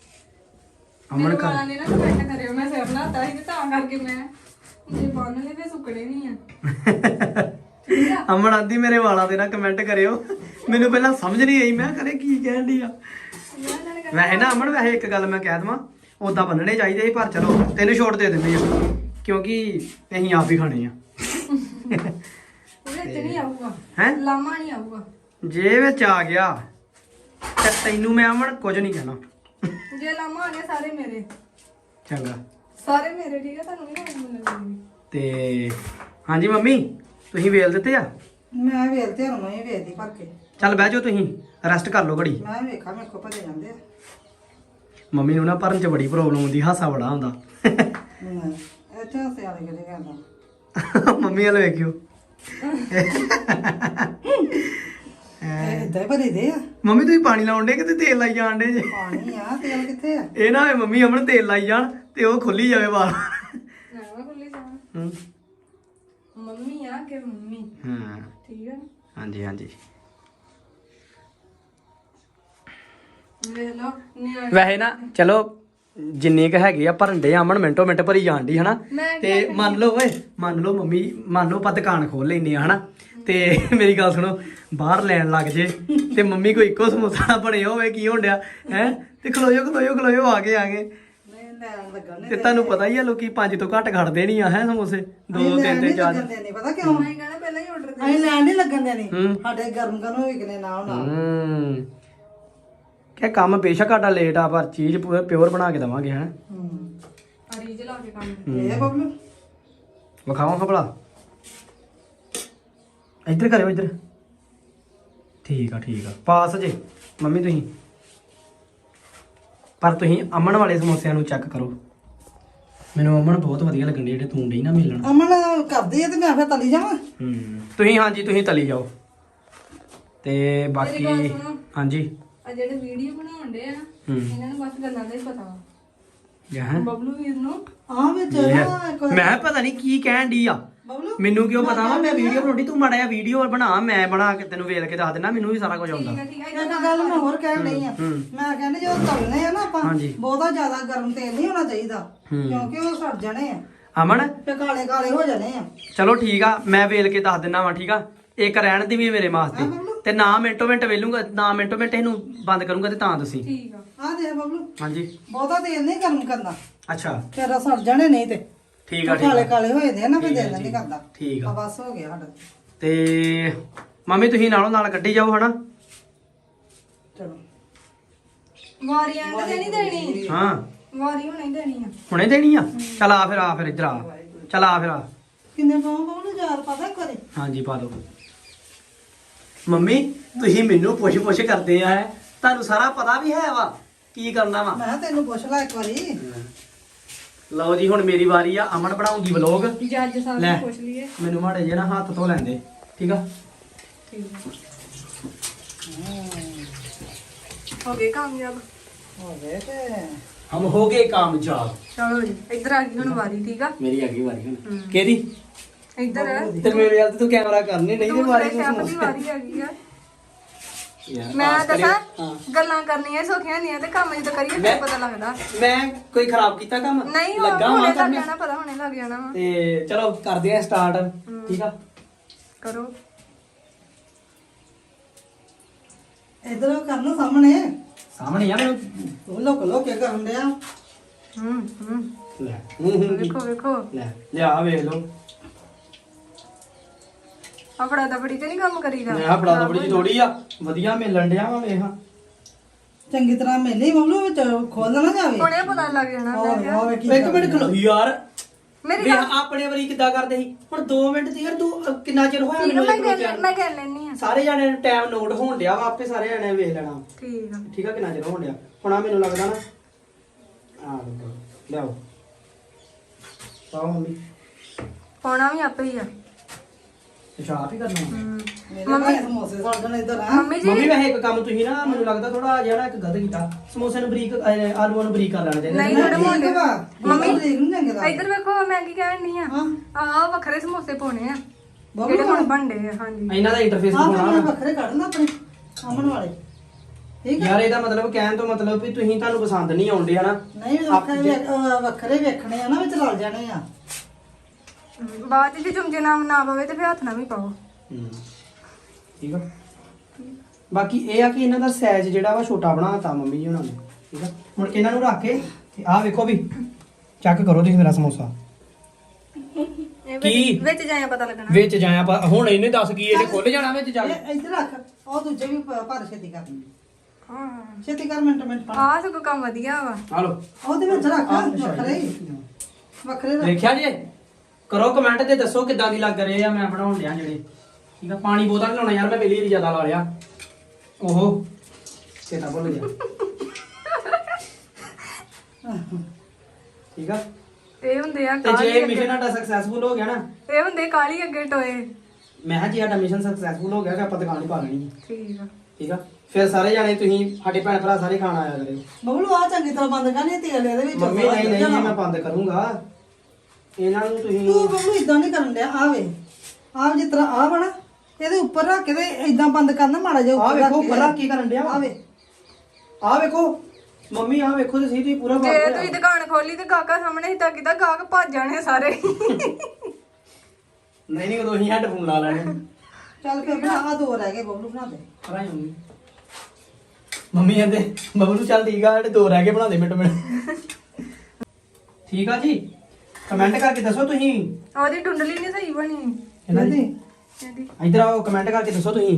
Speaker 3: ਅਮਨ
Speaker 1: ਅਮਨ
Speaker 3: ਵਾਲਾ
Speaker 1: ਕਰ
Speaker 3: ਨੇ ਨਾ ਕਮੈਂਟ ਕਰਿਓ, ਮੈਂ ਸਿਰ ਬਣਾਤਾ ਸੀ ਤੇ ਤਾਂ ਕਰਕੇ ਮੈਂ ਜੇ ਬੰਨ ਲਏ ਤੇ ਸੁੱਕਣੇ ਨਹੀਂ ਆ। ਠੀਕ ਆ
Speaker 1: ਅਮਨ ਆਂਦੀ ਮੇਰੇ ਵਾਲਾਂ ਦੇ ਨਾ ਕਮੈਂਟ ਕਰਿਓ। ਮੈਨੂੰ ਪਹਿਲਾਂ ਸਮਝ ਨਹੀਂ ਆਈ, ਮੈਂ ਕਰੇ ਕੀ ਕਹਿਣ ਦੀ ਆ।
Speaker 3: ਯਾਰ ਇਹਨਾਂ ਨੇ
Speaker 1: ਵੈਸੇ ਨਾ ਅਮਨ ਵੈਸੇ ਇੱਕ ਗੱਲ ਮੈਂ ਕਹਿ ਦਵਾਂ, ਉਦਾਂ ਬੰਨਣੇ ਚਾਹੀਦੇ ਸੀ ਪਰ ਚਲੋ ਤੈਨੂੰ ਛੋਟ ਦੇ ਦਿੰਦੇ ਆ ਕਿਉਂਕਿ ਅਸੀਂ ਆਪ ਹੀ ਖਾਣੇ ਆ।
Speaker 3: ਉਹਦੇ ਚ ਨਹੀਂ ਆਊਗਾ
Speaker 1: ਹੈਂ?
Speaker 3: ਲਾਮਾ ਨਹੀਂ ਆਊਗਾ।
Speaker 1: ਜੇ ਵਿੱਚ ਆ ਗਿਆ ਤੇ ਤੈਨੂੰ ਮੈਂ ਅਮਨ ਕੁਝ ਨਹੀਂ ਕਹਿਣਾ।
Speaker 3: ਜੇ ਲਾਮਾ ਆ ਗਿਆ ਸਾਰੇ ਮੇਰੇ
Speaker 1: ਚੰਗਾ
Speaker 3: ਸਾਰੇ ਮੇਰੇ ਠੀਕ ਆ, ਤੁਹਾਨੂੰ ਨਹੀਂ ਮਿਲਣਗੇ।
Speaker 1: ਤੇ ਹਾਂਜੀ ਮੰਮੀ ਤੁਸੀਂ ਵੇਲ ਦਿੱਤੇ ਆ?
Speaker 2: ਮੈਂ ਵੇਲਤੇ ਹੁਣ ਮੈਂ ਵੇਲਦੀ ਭਰ ਕੇ।
Speaker 1: ਚੱਲ ਬਹਿ ਜਾਓ ਤੁਸੀਂ ਰੈਸਟ ਕਰ ਲਓ ਘੜੀ।
Speaker 2: ਮੈਂ ਵੇਖਾਂ ਮੇਰੇ ਕੋ ਭਰੇ ਜਾਂਦੇ ਆ।
Speaker 1: ਮੰਮੀ ਨੂੰ ਨਾ ਭਰਨ ਚ ਬੜੀ ਪ੍ਰੋਬਲਮ ਹੁੰਦੀ, ਹਾਸਾ ਬੜਾ ਹੁੰਦਾ।
Speaker 2: ਨਹੀਂ ਇੱਥੇ ਹੱਸੇ ਵਾਲੇ ਕਿਹੜੇ ਕਹਿੰਦਾ।
Speaker 1: ਮੰਮੀ ਵਾਲੇ ਵੇਖਿਓ।
Speaker 2: ਇਹ ਇਦਾਂ ਹੀ ਭਰੀ ਦੇ ਆ।
Speaker 1: ਮੰਮੀ ਤੁਸੀਂ ਪਾਣੀ ਲਾਉਣ ਡੇ ਕਿਤੇ ਤੇਲ ਲਾਈ ਜਾਣ ਡੇ ਜੇ?
Speaker 2: ਪਾਣੀ ਆ ਤੇਲ ਕਿੱਥੇ ਆ?
Speaker 1: ਇਹ ਨਾ ਹੋਵੇ ਮੰਮੀ ਅਮਨ ਤੇਲ ਲਾਈ ਜਾਣ ਤੇ ਉਹ ਖੁੱਲੀ ਜਾਵੇ ਵਾਲ।
Speaker 3: ਨਾ ਮੈਂ ਖੁੱਲੀ ਜਾਵਾਂ।
Speaker 1: ਹੂੰ
Speaker 3: ਮੰਮੀ ਆ ਕਿ ਮੰਮੀ
Speaker 1: ਹਾਂ
Speaker 3: ਠੀਕ ਆ ਨਾ?
Speaker 1: ਹਾਂਜੀ ਹਾਂਜੀ
Speaker 3: ਵੇਖ ਲਓ ਨਿਆਣੇ
Speaker 1: ਵੈਸੇ ਨਾ ਚਲੋ ਜਿੰਨੇ ਕ ਹੈਗੇ ਆ ਭਰਨ ਦੇ ਅਮਨ ਮਿੰਟੋ ਮਿੰਟ ਭਰੀ ਜਾਣ ਦੀ ਹਨਾ
Speaker 3: ਮੈਂ
Speaker 1: ਤੇ ਮੰਨ ਲਓ ਓਏ ਮੰਨ ਲਓ ਮੰਮੀ ਮੰਨ ਲਓ ਆਪਾਂ ਦੁਕਾਨ ਖੋਲ ਲੈਨੇ ਆ ਹਨਾ ਤੇ ਮੇਰੀ ਗੱਲ ਸੁਣੋ ਬਾਹਰ ਲੈਣ ਲੱਗ ਜੇ ਤੇ ਮੰਮੀ ਕੋਈ ਇੱਕੋ ਸਮੋਸਾ ਬਣਿਆ ਹੋਵੇ ਕੀ ਹੋਣ ਡਿਆ ਹੈ ਤੇ ਖਲੋਇਓ ਖਲੋਇਓ ਖਲੋਇਓ ਆ ਗਏ ਆ ਗਏ
Speaker 2: ਨਹੀਂ ਲੈਣ ਲੱਗਣ
Speaker 1: ਤੇ ਤੁਹਾਨੂੰ ਪਤਾ ਹੀ ਆ ਲੋਕੀ ਪੰਜ ਤੋਂ ਘੱਟ ਖੜਦੇ ਨਹੀਂ ਆ ਹੈ ਸਮੋਸੇ ਦੋ ਤਿੰਨ ਤਿੰਨ ਚਾਰ
Speaker 2: ਨਹੀਂ ਪਤਾ ਕਿਉਂ
Speaker 3: ਮੈਂ ਕਹਿਣਾ ਪਹਿਲਾਂ ਹੀ ਆਰਡਰ
Speaker 2: ਅਸੀਂ ਲੈਣ ਨਹੀਂ ਲੱਗਣ ਦੇਣੀ
Speaker 1: ਹੂੰ।
Speaker 2: ਸਾਡੇ ਗਰਮ ਗਰਮ ਵਿਕਨੇ ਨਾਲ ਨਾਲ
Speaker 1: ਹੂੰ ਕਿ ਕੰਮ ਬੇਸ਼ੱਕ ਸਾਡਾ ਲੇਟ ਆ ਪਰ ਚੀਜ਼ ਪੂਰਾ ਪਿਓਰ ਬਣਾ ਕੇ ਦਵਾਂਗੇ ਹੈ
Speaker 2: ਹੂੰ
Speaker 3: ਰੀਜ ਲਾ ਕੇ ਕੰਮ
Speaker 2: ਇਹ ਬਬਲੂ
Speaker 1: ਵਿਖਾਵਾਂ ਖਬਲਾ ਇੱਧਰ ਕਰਿਓ ਇੱਧਰ ਠੀਕ ਆ ਠੀਕ ਆ ਪਾਸ ਜੇ ਮੰਮੀ ਤੁਸੀਂ ਪਰ ਤੁਸੀਂ ਅਮਨ ਵਾਲੇ ਸਮੋਸਿਆਂ ਨੂੰ ਚੈੱਕ ਕਰੋ ਮੈਨੂੰ ਅਮਨ ਬਹੁਤ ਵਧੀਆ ਲੱਗਣ ਦੇ ਜਿਹੜੇ ਤੂੰ ਡਈ ਨਾ ਮਿਲਣ
Speaker 2: ਅਮਨ ਕਰਦੀ ਹੈ ਤੇ ਮੈਂ ਫਿਰ ਤਲੀ ਜਾਵਾਂ
Speaker 1: ਹੂੰ ਤੁਸੀਂ ਹਾਂਜੀ ਤੁਸੀਂ ਤਲੀ ਜਾਓ ਤੇ ਬਾਕੀ
Speaker 3: ਮੇਰੀ ਗੱਲ ਸੁਣੋ।
Speaker 1: ਹਾਂਜੀ
Speaker 3: ਆ ਜਿਹੜੇ ਵੀਡੀਓ ਬਣਾਉਂਦੇ ਆ ਨਾ
Speaker 1: ਹੂੰ
Speaker 3: ਇਹਨਾਂ ਨੂੰ ਬਸ ਗੱਲਾਂ ਦਾ ਹੀ ਪਤਾ ਵਾ
Speaker 1: ਜਹਾਂ
Speaker 3: ਬਬਲੂ ਵੀਰ ਨੂੰ
Speaker 2: ਆ ਵਿੱਚ ਨਾ ਇੱਕ
Speaker 1: ਮੈਂ ਪਤਾ ਨਹੀਂ ਕੀ ਕਹਿਣ ਦੀ ਆ
Speaker 2: ਬਬਲੂ
Speaker 1: ਮੈਨੂੰ ਕਿਉਂ ਪਤਾ ਵਾ ਮੈਂ ਵੀਡੀਓ ਬਣਾਉਣੀ ਤੂੰ ਮਾੜਾ ਜਿਹਾ ਵੀਡੀਓ ਬਣਾ ਮੈਂ ਬਣਾ ਕੇ ਤੈਨੂੰ ਵੇਖ ਕੇ ਦੱਸ ਦੇਣਾ ਮੈਨੂੰ ਵੀ ਸਾਰਾ ਕੁਝ ਆਉਂਦਾ
Speaker 3: ਠੀਕ ਆ ਠੀਕ ਆ
Speaker 2: ਇੱਕ ਗੱਲ ਮੈਂ ਹੋਰ ਕਹਿਣ ਨਹੀਂ ਆ
Speaker 1: ਹੂੰ।
Speaker 2: ਮੈਂ ਕਹਿੰਦੀ ਜਦੋਂ ਤਲਨੇ ਆ ਨਾ ਆਪਾਂ
Speaker 1: ਹਾਂਜੀ।
Speaker 2: ਬਹੁਤਾ ਜ਼ਿਆਦਾ ਗਰਮ ਤੇਲ ਨਹੀਂ ਹੋਣਾ ਚਾਹੀਦਾ
Speaker 1: ਹੂੰ।
Speaker 2: ਕਿਉਂਕਿ ਉਹ ਸੜ ਜਾਣੇ ਆ
Speaker 1: ਅਮਨ
Speaker 2: ਤੇ ਕਾਲੇ ਕਾਲੇ ਹੋ ਜਾਣੇ ਆ
Speaker 1: ਚਲੋ ਠੀਕ ਆ ਮੈਂ ਵੇਲ ਕੇ ਦੱਸ ਦਿੰਦਾ ਵਾਂ ਠੀਕ ਆ ਇੱਕ ਰਹਿਣ ਦੀ ਵੀ ਮੇਰੇ ਵਾਸਤੇ ਤੇ ਨਾ ਮਿੰਟੋ ਮਿੰਟ ਵੇਲੂੰਗਾ ਨਾ ਮਿੰਟੋ ਮਿੰਟ ਇਹਨੂੰ ਬੰਦ ਕਰੂੰਗਾ ਤੇ ਤਾਂ ਤੁਸੀਂ
Speaker 3: ਠੀਕ ਆ
Speaker 2: ਆ ਦੇਖ ਬਬਲੂ
Speaker 1: ਹਾਂਜੀ
Speaker 2: ਬਹੁਤਾ ਤੇਲ ਨਹੀਂ ਗਰਮ ਕਰਨਾ
Speaker 1: ਅੱਛਾ
Speaker 2: ਤੇਰਾ ਸੜ ਜਾਣੇ ਨਹੀਂ ਤੇ
Speaker 1: ਠੀਕ ਆ ਠੀਕ
Speaker 2: ਕਾਲੇ
Speaker 1: ਆ
Speaker 2: ਕਾਲੇ ਹੋਏ ਦੇ ਆ ਨਾ ਫਿਰ
Speaker 1: ਠੀਕ ਆ,
Speaker 2: ਦਿਲ ਨਹੀਂ
Speaker 1: ਠੀਕ।
Speaker 2: ਕਰਦਾ
Speaker 1: ਠੀਕ
Speaker 2: ਆ
Speaker 1: ਆ
Speaker 2: ਬਸ ਹੋ ਗਿਆ ਸਾਡਾ
Speaker 1: ਤੇ ਮੰਮੀ ਤੁਸੀਂ ਨਾਲੋਂ ਨਾਲ ਕੱਢੀ ਜਾਓ ਹਨਾ
Speaker 2: ਚਲੋ
Speaker 3: ਵਾਰੀਆਂ ਤਾਂ ਨਹੀਂ ਦੇਣੀ
Speaker 1: ਹਾਂ
Speaker 3: ਵਾਰੀ ਹੁਣੇ ਦੇਣੀ ਆ
Speaker 1: ਹੁਣੇ ਦੇਣੀ ਆ ਚਲ ਆ ਫਿਰ ਆ ਫਿਰ ਇੱਧਰ ਆ ਚਲ ਆ ਫਿਰ ਆ
Speaker 2: ਕਿੰਨੇ ਪਾਉਂ ਬਬਲੂ ਯਾਰ ਪਤਾ ਕਰੇ
Speaker 1: ਹਾਂਜੀ ਪਾ ਦਿਓ ਮੰਮੀ ਤੁਸੀਂ ਮੈਨੂੰ ਪੁੱਛ ਪੁੱਛ ਕਰਦੇ ਆ ਤੁਹਾਨੂੰ ਸਾਰਾ ਪਤਾ ਵੀ ਹੈ ਵਾ ਕੀ ਕਰਨਾ ਵਾ
Speaker 2: ਮੈਂ ਕਿਹਾ ਤੈਨੂੰ ਪੁੱਛ ਲੈ ਇੱਕ ਵਾਰੀ
Speaker 1: ਲਓ ਜੀ ਹੁਣ ਮੇਰੀ ਵਾਰੀ ਆ ਅਮਨ ਬਣਾਉਂਗੀ ਵਲੋਗ
Speaker 3: ਜੱਜ ਸਾਹਿਬ
Speaker 1: ਲੈ।
Speaker 3: ਨੂੰ ਪੁੱਛ ਲਈਏ
Speaker 1: ਮੈਨੂੰ ਮਾੜੇ ਜੇ ਨਾ ਹੱਥ ਧੋ ਲੈਂਦੇ ਠੀਕ ਆ
Speaker 3: ਠੀਕ ਆ ਹੋ ਗਏ ਕਾਮਯਾਬ
Speaker 2: ਹੋ ਗਏ ਤੇ
Speaker 1: ਹਮ ਹੋ ਗਏ ਕਾਮਯਾਬ
Speaker 3: ਚਲੋ ਜੀ ਇੱਧਰ ਆ ਗਈ ਹੁਣ ਵਾਰੀ ਠੀਕ ਆ
Speaker 1: ਮੇਰੀ ਅੱਗੇ ਵਾਰੀ ਹੁਣ ਕਿਹਦੀ
Speaker 3: ਇੱਧਰ
Speaker 1: ਤੇ ਮੇਰੇ ਵੱਲ ਤੇ ਤੂੰ ਕੈਮਰਾ ਕਰਨੀ ਨਹੀਂ ਤੇ ਵਾਰੀ
Speaker 3: ਦੂਸਰੇ
Speaker 1: ਨੂੰ
Speaker 3: ਸ਼ੈਫ ਦੀ ਵਾਰੀ ਆ ਗਈ ਆ
Speaker 1: ਯਾਰ
Speaker 3: ਮੈਂ
Speaker 1: ਪਾਸ ਕਰਿਓ।
Speaker 3: ਦੱਸਾਂ
Speaker 1: ਹਾਂ।
Speaker 3: ਗੱਲਾਂ ਕਰਨੀਆਂ ਸੌਖੀਆਂ ਨਹੀਂ ਆ ਤੇ ਕੰਮ ਜਦੋਂ ਕਰੀਏ
Speaker 1: ਮੈਂ-
Speaker 3: ਫਿਰ ਪਤਾ ਲੱਗਦਾ
Speaker 1: ਮੈਂ ਕੋਈ ਖਰਾਬ ਕੀਤਾ ਕੰਮ
Speaker 3: ਨਹੀਂ ਉਹ
Speaker 1: ਲੱਗਾ
Speaker 3: ਹੁਣੇ
Speaker 1: ਹਾਂ
Speaker 3: ਲੱਗ
Speaker 1: ਕਰਨੇ
Speaker 3: ਜਾਣਾ ਪਤਾ ਹੁਣੇ ਲੱਗ ਜਾਣਾ ਵਾ
Speaker 1: ਤੇ ਚਲੋ ਕਰਦੇ ਆ ਸਟਾਰਟ ਠੀਕ ਆ
Speaker 3: ਕਰੋ
Speaker 2: ਇਧਰ ਕਰਨਾ ਸਾਹਮਣੇ
Speaker 1: ਸਾਹਮਣੇ ਆ ਮੈਨੂੰ
Speaker 2: ਤੂੰ ਲੋਕ ਲੋਕ ਕੇ ਕਰਨ ਡਿਆ
Speaker 3: ਹੂੰ ਹੂੰ
Speaker 1: ਲੈ ਹੂੰ ਹੂੰ ਕੀ?
Speaker 3: ਵੇਖੋ ਵੇਖੋ
Speaker 1: ਲੈ ਲਿਆ ਵੇਖ ਲਓ
Speaker 3: ਆਪੜਾ ਦਬੜੀ ਤੇ ਨਹੀਂ ਕੰਮ ਕਰੀਦਾ
Speaker 1: ਮੈਂ ਬੜਾ ਤਾਂ ਬੜੀ ਥੋੜੀ ਆ ਵਧੀਆ ਮਿਲਣ ਡਿਆ ਵਾ ਵੇਖ
Speaker 2: ਚੰਗੀ ਤਰ੍ਹਾਂ ਮੇਲੇ ਬਬਲੂ ਵਿੱਚ ਖੋਲ ਨਾ ਜਾਵੇ
Speaker 3: ਹੁਣੇ ਪਤਾ ਲੱਗ ਜਾਣਾ ਮੈਂ
Speaker 2: ਹੋਰ
Speaker 3: ਕਿਹਾ
Speaker 2: ਹੋਰ ਕੀ
Speaker 1: ਇੱਕ ਮਿੰਟ ਖਲੋ ਯਾਰ
Speaker 3: ਮੇਰੀ
Speaker 1: ਵੇਖ
Speaker 3: ਗੱਲ
Speaker 1: ਆਪਣੇ ਵਾਰੀ ਕਿੱਦਾਂ ਕਰਦੇ ਸੀ ਹੁਣ ਦੋ ਮਿੰਟ ਤੇ ਯਾਰ ਤੂੰ ਅਹ, ਕਿੰਨਾ ਚਿਰ ਹੋਇਆ
Speaker 3: ਠੀਕ ਆ,
Speaker 1: ਮੈਨੂੰ
Speaker 3: ਮੈਂ
Speaker 1: ਇੱਕ
Speaker 3: ਕਰ
Speaker 1: ਮਿੰਟ
Speaker 3: ਮੈਂ ਕਰ ਲੈਣੀ ਆ
Speaker 1: ਸਾਰੇ ਜਾਣੇ ਨੂੰ ਟਾਈਮ ਨੋਟ ਹੋਣ ਡਿਆ ਵਾ ਆਪੇ ਸਾਰੇ ਜਾਣੇ ਵੇਖ ਲੈਣਾ
Speaker 3: ਠੀਕ ਆ
Speaker 1: ਠੀਕ ਆ ਕਿੰਨਾ ਚਿਰ ਹੋਣ ਡਿਆ ਹੁਣ ਆ ਮੈਨੂੰ ਲੱਗਦਾ ਨਾ ਆ ਲਓ ਲਿਆਓ ਪਾਓ ਮੰਮੀ
Speaker 3: ਪਾਉਣਾ ਵੀ ਆਪੇ ਹੀ ਆ
Speaker 1: ਅੱਛਾ ਆਪ ਹੀ ਕਰਨਾ ਵਾ।
Speaker 3: ਹੂੰ।
Speaker 2: ਮੇਰੇ ਭਾਈ ਸਮੋਸੇ ਸੜ ਜਾਣ ਇਧਰ ਆ
Speaker 3: ਮੰਮੀ ਜੀ
Speaker 1: ਮੰਮੀ ਵੈਸੇ ਇੱਕ ਕੰਮ ਤੁਸੀਂ ਨਾ ਮੈਨੂੰ ਲੱਗਦਾ ਥੋੜਾ ਜਿਹੜਾ ਇੱਕ ਗਲਤ ਕੀਤਾ ਸਮੋਸੇ ਨੂੰ ਬਰੀਕ ਅਹ, ਆਲੂਆਂ ਨੂੰ ਬਰੀਕ ਕਰ ਲੈਣਾ ਚਾਹੀਦਾ
Speaker 3: ਨਹੀਂ
Speaker 1: ਸੀ।
Speaker 3: ਥੋੜੇ ਮੋਟੇ
Speaker 2: ਮੰਮੀ ਦੇਖ ਨੂੰ ਚੰਗੇ ਦਾ
Speaker 3: ਇੱਧਰ ਵੇਖੋ ਮੈਂ ਕੀ ਕਹਿਣ ਨਹੀਂ ਆ
Speaker 2: ਹਾਂ
Speaker 3: ਆਹ ਵੱਖਰੇ ਸਮੋਸੇ ਪਾਉਣੇ ਆ
Speaker 2: ਬਬਲੂ
Speaker 3: ਜਿਹੜੇ ਹੁਣ ਬਣਦੇ ਆ ਹਾਂਜੀ
Speaker 1: ਇਹਨਾਂ ਦਾ ਇੰਟਰਫੇਸ
Speaker 2: ਆਹ
Speaker 1: ਹੋਣਾ
Speaker 2: ਮੈਂ ਵੱਖਰੇ ਕੱਢਣਾ ਆਪਣੇ ਅਮਨ ਵਾਲੇ ਠੀਕ ਹੈ
Speaker 1: ਯਾਰ ਇਹਦਾ ਮਤਲਬ ਕਹਿਣ ਤੋਂ ਮਤਲਬ ਵੀ ਤੁਸੀਂ ਤੁਹਾਨੂੰ ਪਸੰਦ ਨਹੀਂ ਆਉਂਦੇ ਹਨਾ
Speaker 2: ਨਹੀਂ ਵੱਖਰੇ ਵੇਖ- ਅਹ ਵੱਖਰੇ ਵੇਖਣੇ ਆ ਨਾ ਵਿੱਚ ਰਲ ਜਾਣੇ ਆ
Speaker 3: ਬਾਅਦ ਚ ਜੇ ਚਮਚੇ ਨਾਲ ਨਾ ਪਵੇ ਤੇ ਫਿਰ ਹੱਥ ਨਾਲ ਵੀ ਪਾਓ
Speaker 1: ਹੂੰ ਠੀਕ ਆ ਬਾਕੀ ਇਹ ਆ ਕਿ ਇਹਨਾਂ ਦਾ ਸਾਈਜ਼ ਜਿਹੜਾ ਵਾ ਛੋਟਾ ਬਣਾਤਾ ਮੰਮੀ ਜੀ ਉਹਨਾਂ ਨੇ ਠੀਕ ਆ ਹੁਣ ਇਹਨਾਂ ਨੂੰ ਰੱਖ ਕੇ ਤੇ ਆਹ ਵੇਖੋ ਵੀ ਚੈੱਕ ਕਰੋ ਤੁਸੀਂ ਮੇਰਾ ਸਮੋਸਾ
Speaker 3: ਇਹ
Speaker 1: ਕੀ?
Speaker 3: ਵਿੱਚ ਵਿੱਚ ਜਾਇਆ ਪਤਾ ਲੱਗਣਾ
Speaker 1: ਵਿੱਚ ਜਾਇਆ ਪਾ- ਹੁਣ ਇਹਨੇ ਦੱਸ ਕੀ ਇਹਨੇ ਖੁੱਲ ਜਾਣਾ ਵਿੱਚ ਜਾ ਕੇ
Speaker 2: ਇਹ ਇੱਧਰ ਰੱਖ ਉਹ ਦੂਜੇ ਵੀ ਭ- ਭਰ ਛੇਤੀ ਕਰ
Speaker 3: ਹਾਂ
Speaker 2: ਛੇਤੀ ਕਰ ਮਿੰਟ ਮਿੰਟ ਪਾ
Speaker 3: ਆਹ ਸਗੋਂ ਕੰਮ ਵਧੀਆ ਵਾ
Speaker 1: ਆ ਲੋ
Speaker 2: ਉਹਦੇ ਵਿੱਚ ਰੱਖ ਵੱਖਰੇ ਹੀ। ਵੱਖਰੇ ਰੱਖ
Speaker 1: ਦੇਖਿਆ ਜੀ ਕਰੋ ਕਮੈਂਟ ਤੇ ਦੱਸੋ ਕਿੱਦਾਂ ਦੀ ਲੱਗ ਰਹੇ ਆ ਮੈਂ ਬਣਾਉਣ ਡਿਆ ਜਿਹੜੇ ਠੀਕ ਆ ਪਾਣੀ ਬੋਤਲ ਲਾਉਣਾ ਯਾਰ ਮੈਂ ਪਹਿਲੀ ਵਾਰੀ ਜ਼ਿਆਦਾ ਲਾ ਲਿਆ ਓਹੋ ਚੇਤਾ ਭੁੱਲ ਗਿਆ ਠੀਕ ਆ
Speaker 3: ਇਹ ਹੁੰਦੇ ਆ
Speaker 1: ਤੇ
Speaker 3: ਕਾਲੀ
Speaker 1: ਜੇ
Speaker 3: ਅੱਗੇ
Speaker 1: ਮਿਸ਼ਨ ਸਾਡਾ ਸਕਸੈਸਫੁਲ ਹੋ ਗਿਆ ਨਾ
Speaker 3: ਇਹ ਹੁੰਦੇ ਕਾਲੀ ਅੱਗੇ ਟੋਏ
Speaker 1: ਮੈਂ ਕਿਹਾ ਜੀ ਸਾਡਾ ਮਿਸ਼ਨ ਸਕਸੈਸਫੁਲ ਹੋ ਗਿਆ ਕਿ ਆਪਾਂ ਦੁਕਾਨ ਹੀ ਪਾ ਲੈਣੀ ਹੈ
Speaker 3: ਠੀਕ ਆ
Speaker 1: ਠੀਕ ਆ ਫਿਰ ਸਾਰੇ ਜਾਣੇ ਤੁਸੀਂ ਸਾਡੇ ਭੈਣ ਭਰਾ ਸਾਰੇ ਖਾਣ ਆਇਆ ਕਰਿਓ
Speaker 2: ਬਬਲੂ ਆ ਚੰਗੀ ਤਰ੍ਹਾਂ ਬੰਦ ਕਰਨੀ ਤੇਲ ਇਹਦੇ ਵਿੱਚ
Speaker 1: ਮੰਮੀ ਨਹੀਂ ਨਹੀਂ ਇਹ ਮੈਂ ਬੰਦ ਕਰੂੰਗਾ ਇਹਨਾਂ ਨੂੰ ਤੁਸੀਂ
Speaker 2: ਤੂੰ ਬਬਲੂ ਇਦਾਂ ਨਹੀਂ ਕਰਨ ਡਿਆ ਆ ਵੇ ਆ ਜਿਸ ਤਰ੍ਹਾਂ ਆ ਬਣਾ ਇਹਦੇ ਉੱਪਰ ਰੱਖ ਕੇ ਤੇ ਇਦਾਂ ਬੰਦ ਕਰਨਾ ਮਾੜਾ ਜਿਹਾ
Speaker 1: ਆ
Speaker 2: ਉੱਪਰ
Speaker 1: ਵੇਖੋ
Speaker 2: ਰੱਖ
Speaker 1: ਉੱਪਰ ਰੱਖ ਕੀ ਕਰਨ ਡਿਆ
Speaker 2: ਆ ਵੇ
Speaker 1: ਆ ਵੇਖੋ ਮੰਮੀ ਆ ਵੇਖੋ ਤੇ ਸਹੀ ਤੁਸੀਂ ਪੂਰਾ
Speaker 3: ਜੇ
Speaker 1: ਬਾਤ
Speaker 3: ਤੁਸੀਂ ਦੁਕਾਨ ਖੋਲੀ ਤੇ ਗਾਹਕਾਂ ਸਾਹਮਣੇ ਹੀ ਤਾਂ ਕਿਦਾਂ ਗਾਹਕ ਭੱਜ ਜਾਣੇ ਸਾਰੇ।
Speaker 1: ਨਹੀਂ ਨਹੀਂ ਉਦੋਂ ਹੀ ਹੈਡਫੋਨ ਲਾ ਲੈਣੇ।
Speaker 2: ਚੱਲ ਫਿਰ ਬਣਾ ਆ ਦੋ ਰਹਿ ਗਏ ਬਬਲੂ ਬਣਾ ਦੇ।
Speaker 1: ਕਰਾਈ ਮੰਮੀ ਮੰਮੀ ਕਹਿੰਦੇ ਬਬਲੂ ਚੱਲ ਠੀਕ ਆ, ਜਿਹੜੇ ਦੋ ਰਹਿ ਗਏ ਬਣਾ ਦੇ ਮਿੰਟ ਮਿੰਟ। ਠੀਕ ਆ ਜੀ, ਕਮੈਂਟ ਕਰਕੇ ਦੱਸੋ ਤੁਸੀਂ।
Speaker 3: ਉਹਦੀ ਟੁੰਡਲੀ ਨਹੀਂ ਸਹੀ ਬਣੀ
Speaker 1: ਇਹਨਾਂ ਦੀ
Speaker 3: ਇਹਦੀ।
Speaker 1: ਇੱਧਰ ਆਓ, ਕਮੈਂਟ ਕਰਕੇ ਦੱਸੋ ਤੁਸੀਂ।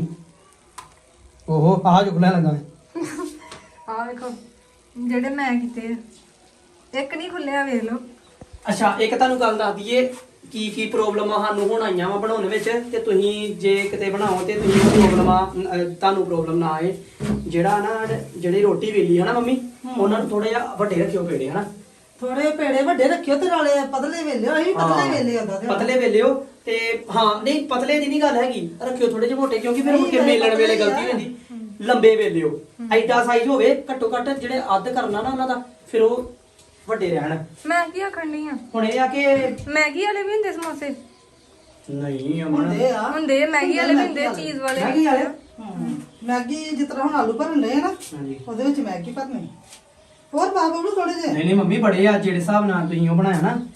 Speaker 1: ਓਹੋ ਆਹ ਚੁਗਲਾ ਲੱਗਾ ਮੈਂ।
Speaker 3: ਆਹ ਵੇਖੋ ਜਿਹੜੇ ਮੈਂ ਕੀਤੇ ਆ। ਇੱਕ ਨਹੀਂ ਖੁੱਲਿਆ ਵੇਖ ਲਓ।
Speaker 1: ਅੱਛਾ ਇੱਕ ਤੁਹਾਨੂੰ ਗੱਲ ਦੱਸ ਦਈਏ ਕੀ ਕੀ ਪ੍ਰੋਬਲਮਾਂ ਸਾਨੂੰ ਹੁਣ ਆਈਆਂ ਵਾ ਬਣਾਉਣ ਵਿੱਚ, ਤੇ ਤੁਸੀਂ ਜੇ ਕਿਤੇ ਬਣਾਓ ਤੇ ਤੁਸੀਂ ਪ੍ਰੋਬਲਮਾਂ ਤੁਹਾਨੂੰ ਪ੍ਰੋਬਲਮ ਨਾ ਆਏ। ਜਿਹੜਾ ਨਾ ਜਿਹੜੀ ਰੋਟੀ ਵੇਲੀ ਹੈ ਨਾ ਮੰਮੀ, ਉਹਨਾਂ ਨੂੰ ਥੋੜਾ ਜਿਹਾ ਵੱਡੇ ਰੱਖਿਓ ਪੇੜੇ ਹਨਾ।
Speaker 2: ਥੋੜੇ ਪੇੜੇ ਵੱਡੇ ਰੱਖਿਓ ਤੇ ਨਾਲੇ ਪਤਲੇ ਵੇਲਿਓ। ਅਸੀਂ ਪਤਲੇ ਵੇਲੇ ਆਉਂਦਾ ਤੇ
Speaker 1: ਪਤਲੇ ਵੇਲਿਓ ਤੇ ਹਾਂ ਨਹੀਂ ਪਤਲੇ ਦੀ ਨਹੀਂ ਗੱਲ ਹੈਗੀ, ਰੱਖਿਓ ਥੋੜੇ ਜਿਹੇ ਮੋਟੇ, ਕਿਉਂਕਿ ਫਿਰ ਮੁੜ ਕੇ ਮੇਲਣ ਵੇਲੇ ਗਲਤੀ ਹੋ ਜਾਂਦੀ। ਲੰਬੇ ਵੇਲਿਓ ਐਡਾ ਸਾਈਜ਼ ਹੋਵੇ ਘੱਟੋ ਘੱਟ, ਜਿਹੜੇ ਅੱਧ ਕਰਨਾ ਨਾ ਉਹਨਾਂ ਦਾ ਫਿਰ ਉਹ ਵੱਡੇ ਰਹਿਣ।
Speaker 3: ਮੈਂ ਕੀ ਆਖਣ ਡਈ ਆ,
Speaker 1: ਹੁਣ ਇਹ ਆ ਕਿ
Speaker 3: ਮੈਗੀ ਵਾਲੇ ਵੀ ਹੁੰਦੇ ਸਮੋਸੇ।
Speaker 1: ਨਹੀਂ ਅਮਨ
Speaker 2: ਹੁੰਦੇ ਆ
Speaker 3: ਹੁੰਦੇ ਆ, ਮੈਗੀ ਵਾਲੇ ਵੀ ਹੁੰਦੇ, ਚੀਜ਼ ਵਾਲੇ ਵੀ
Speaker 1: ਮੈਗੀ ਵਾਲੇ
Speaker 2: ਹਮ, ਮੈਗੀ ਜਿਸ ਤਰ੍ਹਾਂ ਹੁਣ ਆਲੂ ਭਰਨ ਲਏ ਨਾ,
Speaker 1: ਹਾਂਜੀ।
Speaker 2: ਉਹਦੇ ਵਿੱਚ ਮੈਗੀ ਭਰਨੀ। ਹੋਰ ਪਾ ਬਬਲੂ ਥੋੜੇ ਜਿਹੇ।
Speaker 1: ਨਹੀਂ ਨਹੀਂ ਮੰਮੀ ਬੜੇ ਆ, ਜਿਹੜੇ ਹਿਸਾਬ ਨਾਲ ਤੁਸੀਂ ਉਹ ਬਣਾਇਆ ਨਾ,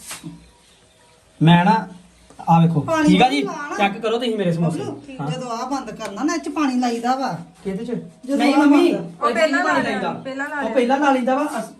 Speaker 1: ਮੈਂ ਨਾ ਆ ਵੇਖੋ
Speaker 2: ਪਾਣੀ
Speaker 1: ਠੀਕ ਆ ਜੀ,
Speaker 2: ਲਾਣਾ।
Speaker 1: ਚੈੱਕ ਕਰੋ ਤੁਸੀਂ ਮੇਰੇ ਸਮੋਸੇ।
Speaker 2: ਬਬਲੂ
Speaker 1: ਹਾਂ
Speaker 2: ਜਦੋਂ ਆ ਬੰਦ ਕਰਨਾ ਨਾ, ਇਹ ਚ ਪਾਣੀ ਲਾਈਦਾ ਵਾ।
Speaker 1: ਕਿਹਦੇ ਚ?
Speaker 2: ਜਦੋਂ
Speaker 1: ਨਹੀਂ
Speaker 2: ਆਹ
Speaker 1: ਮੰਮੀ
Speaker 2: ਬਣਦਾ।
Speaker 3: ਉਹ
Speaker 1: ਇਹਦੇ ਚ
Speaker 3: ਪਹਿਲਾਂ
Speaker 1: ਨਹੀਂ ਪਾਣੀ
Speaker 3: ਲਾ
Speaker 1: ਲਾਈਦਾ।
Speaker 3: ਲਿਆ, ਪਹਿਲਾਂ ਲਾ
Speaker 1: ਉਹ
Speaker 3: ਲਿਆ।
Speaker 1: ਪਹਿਲਾਂ ਲਾ ਲਈਦਾ ਵਾ ਅਸ-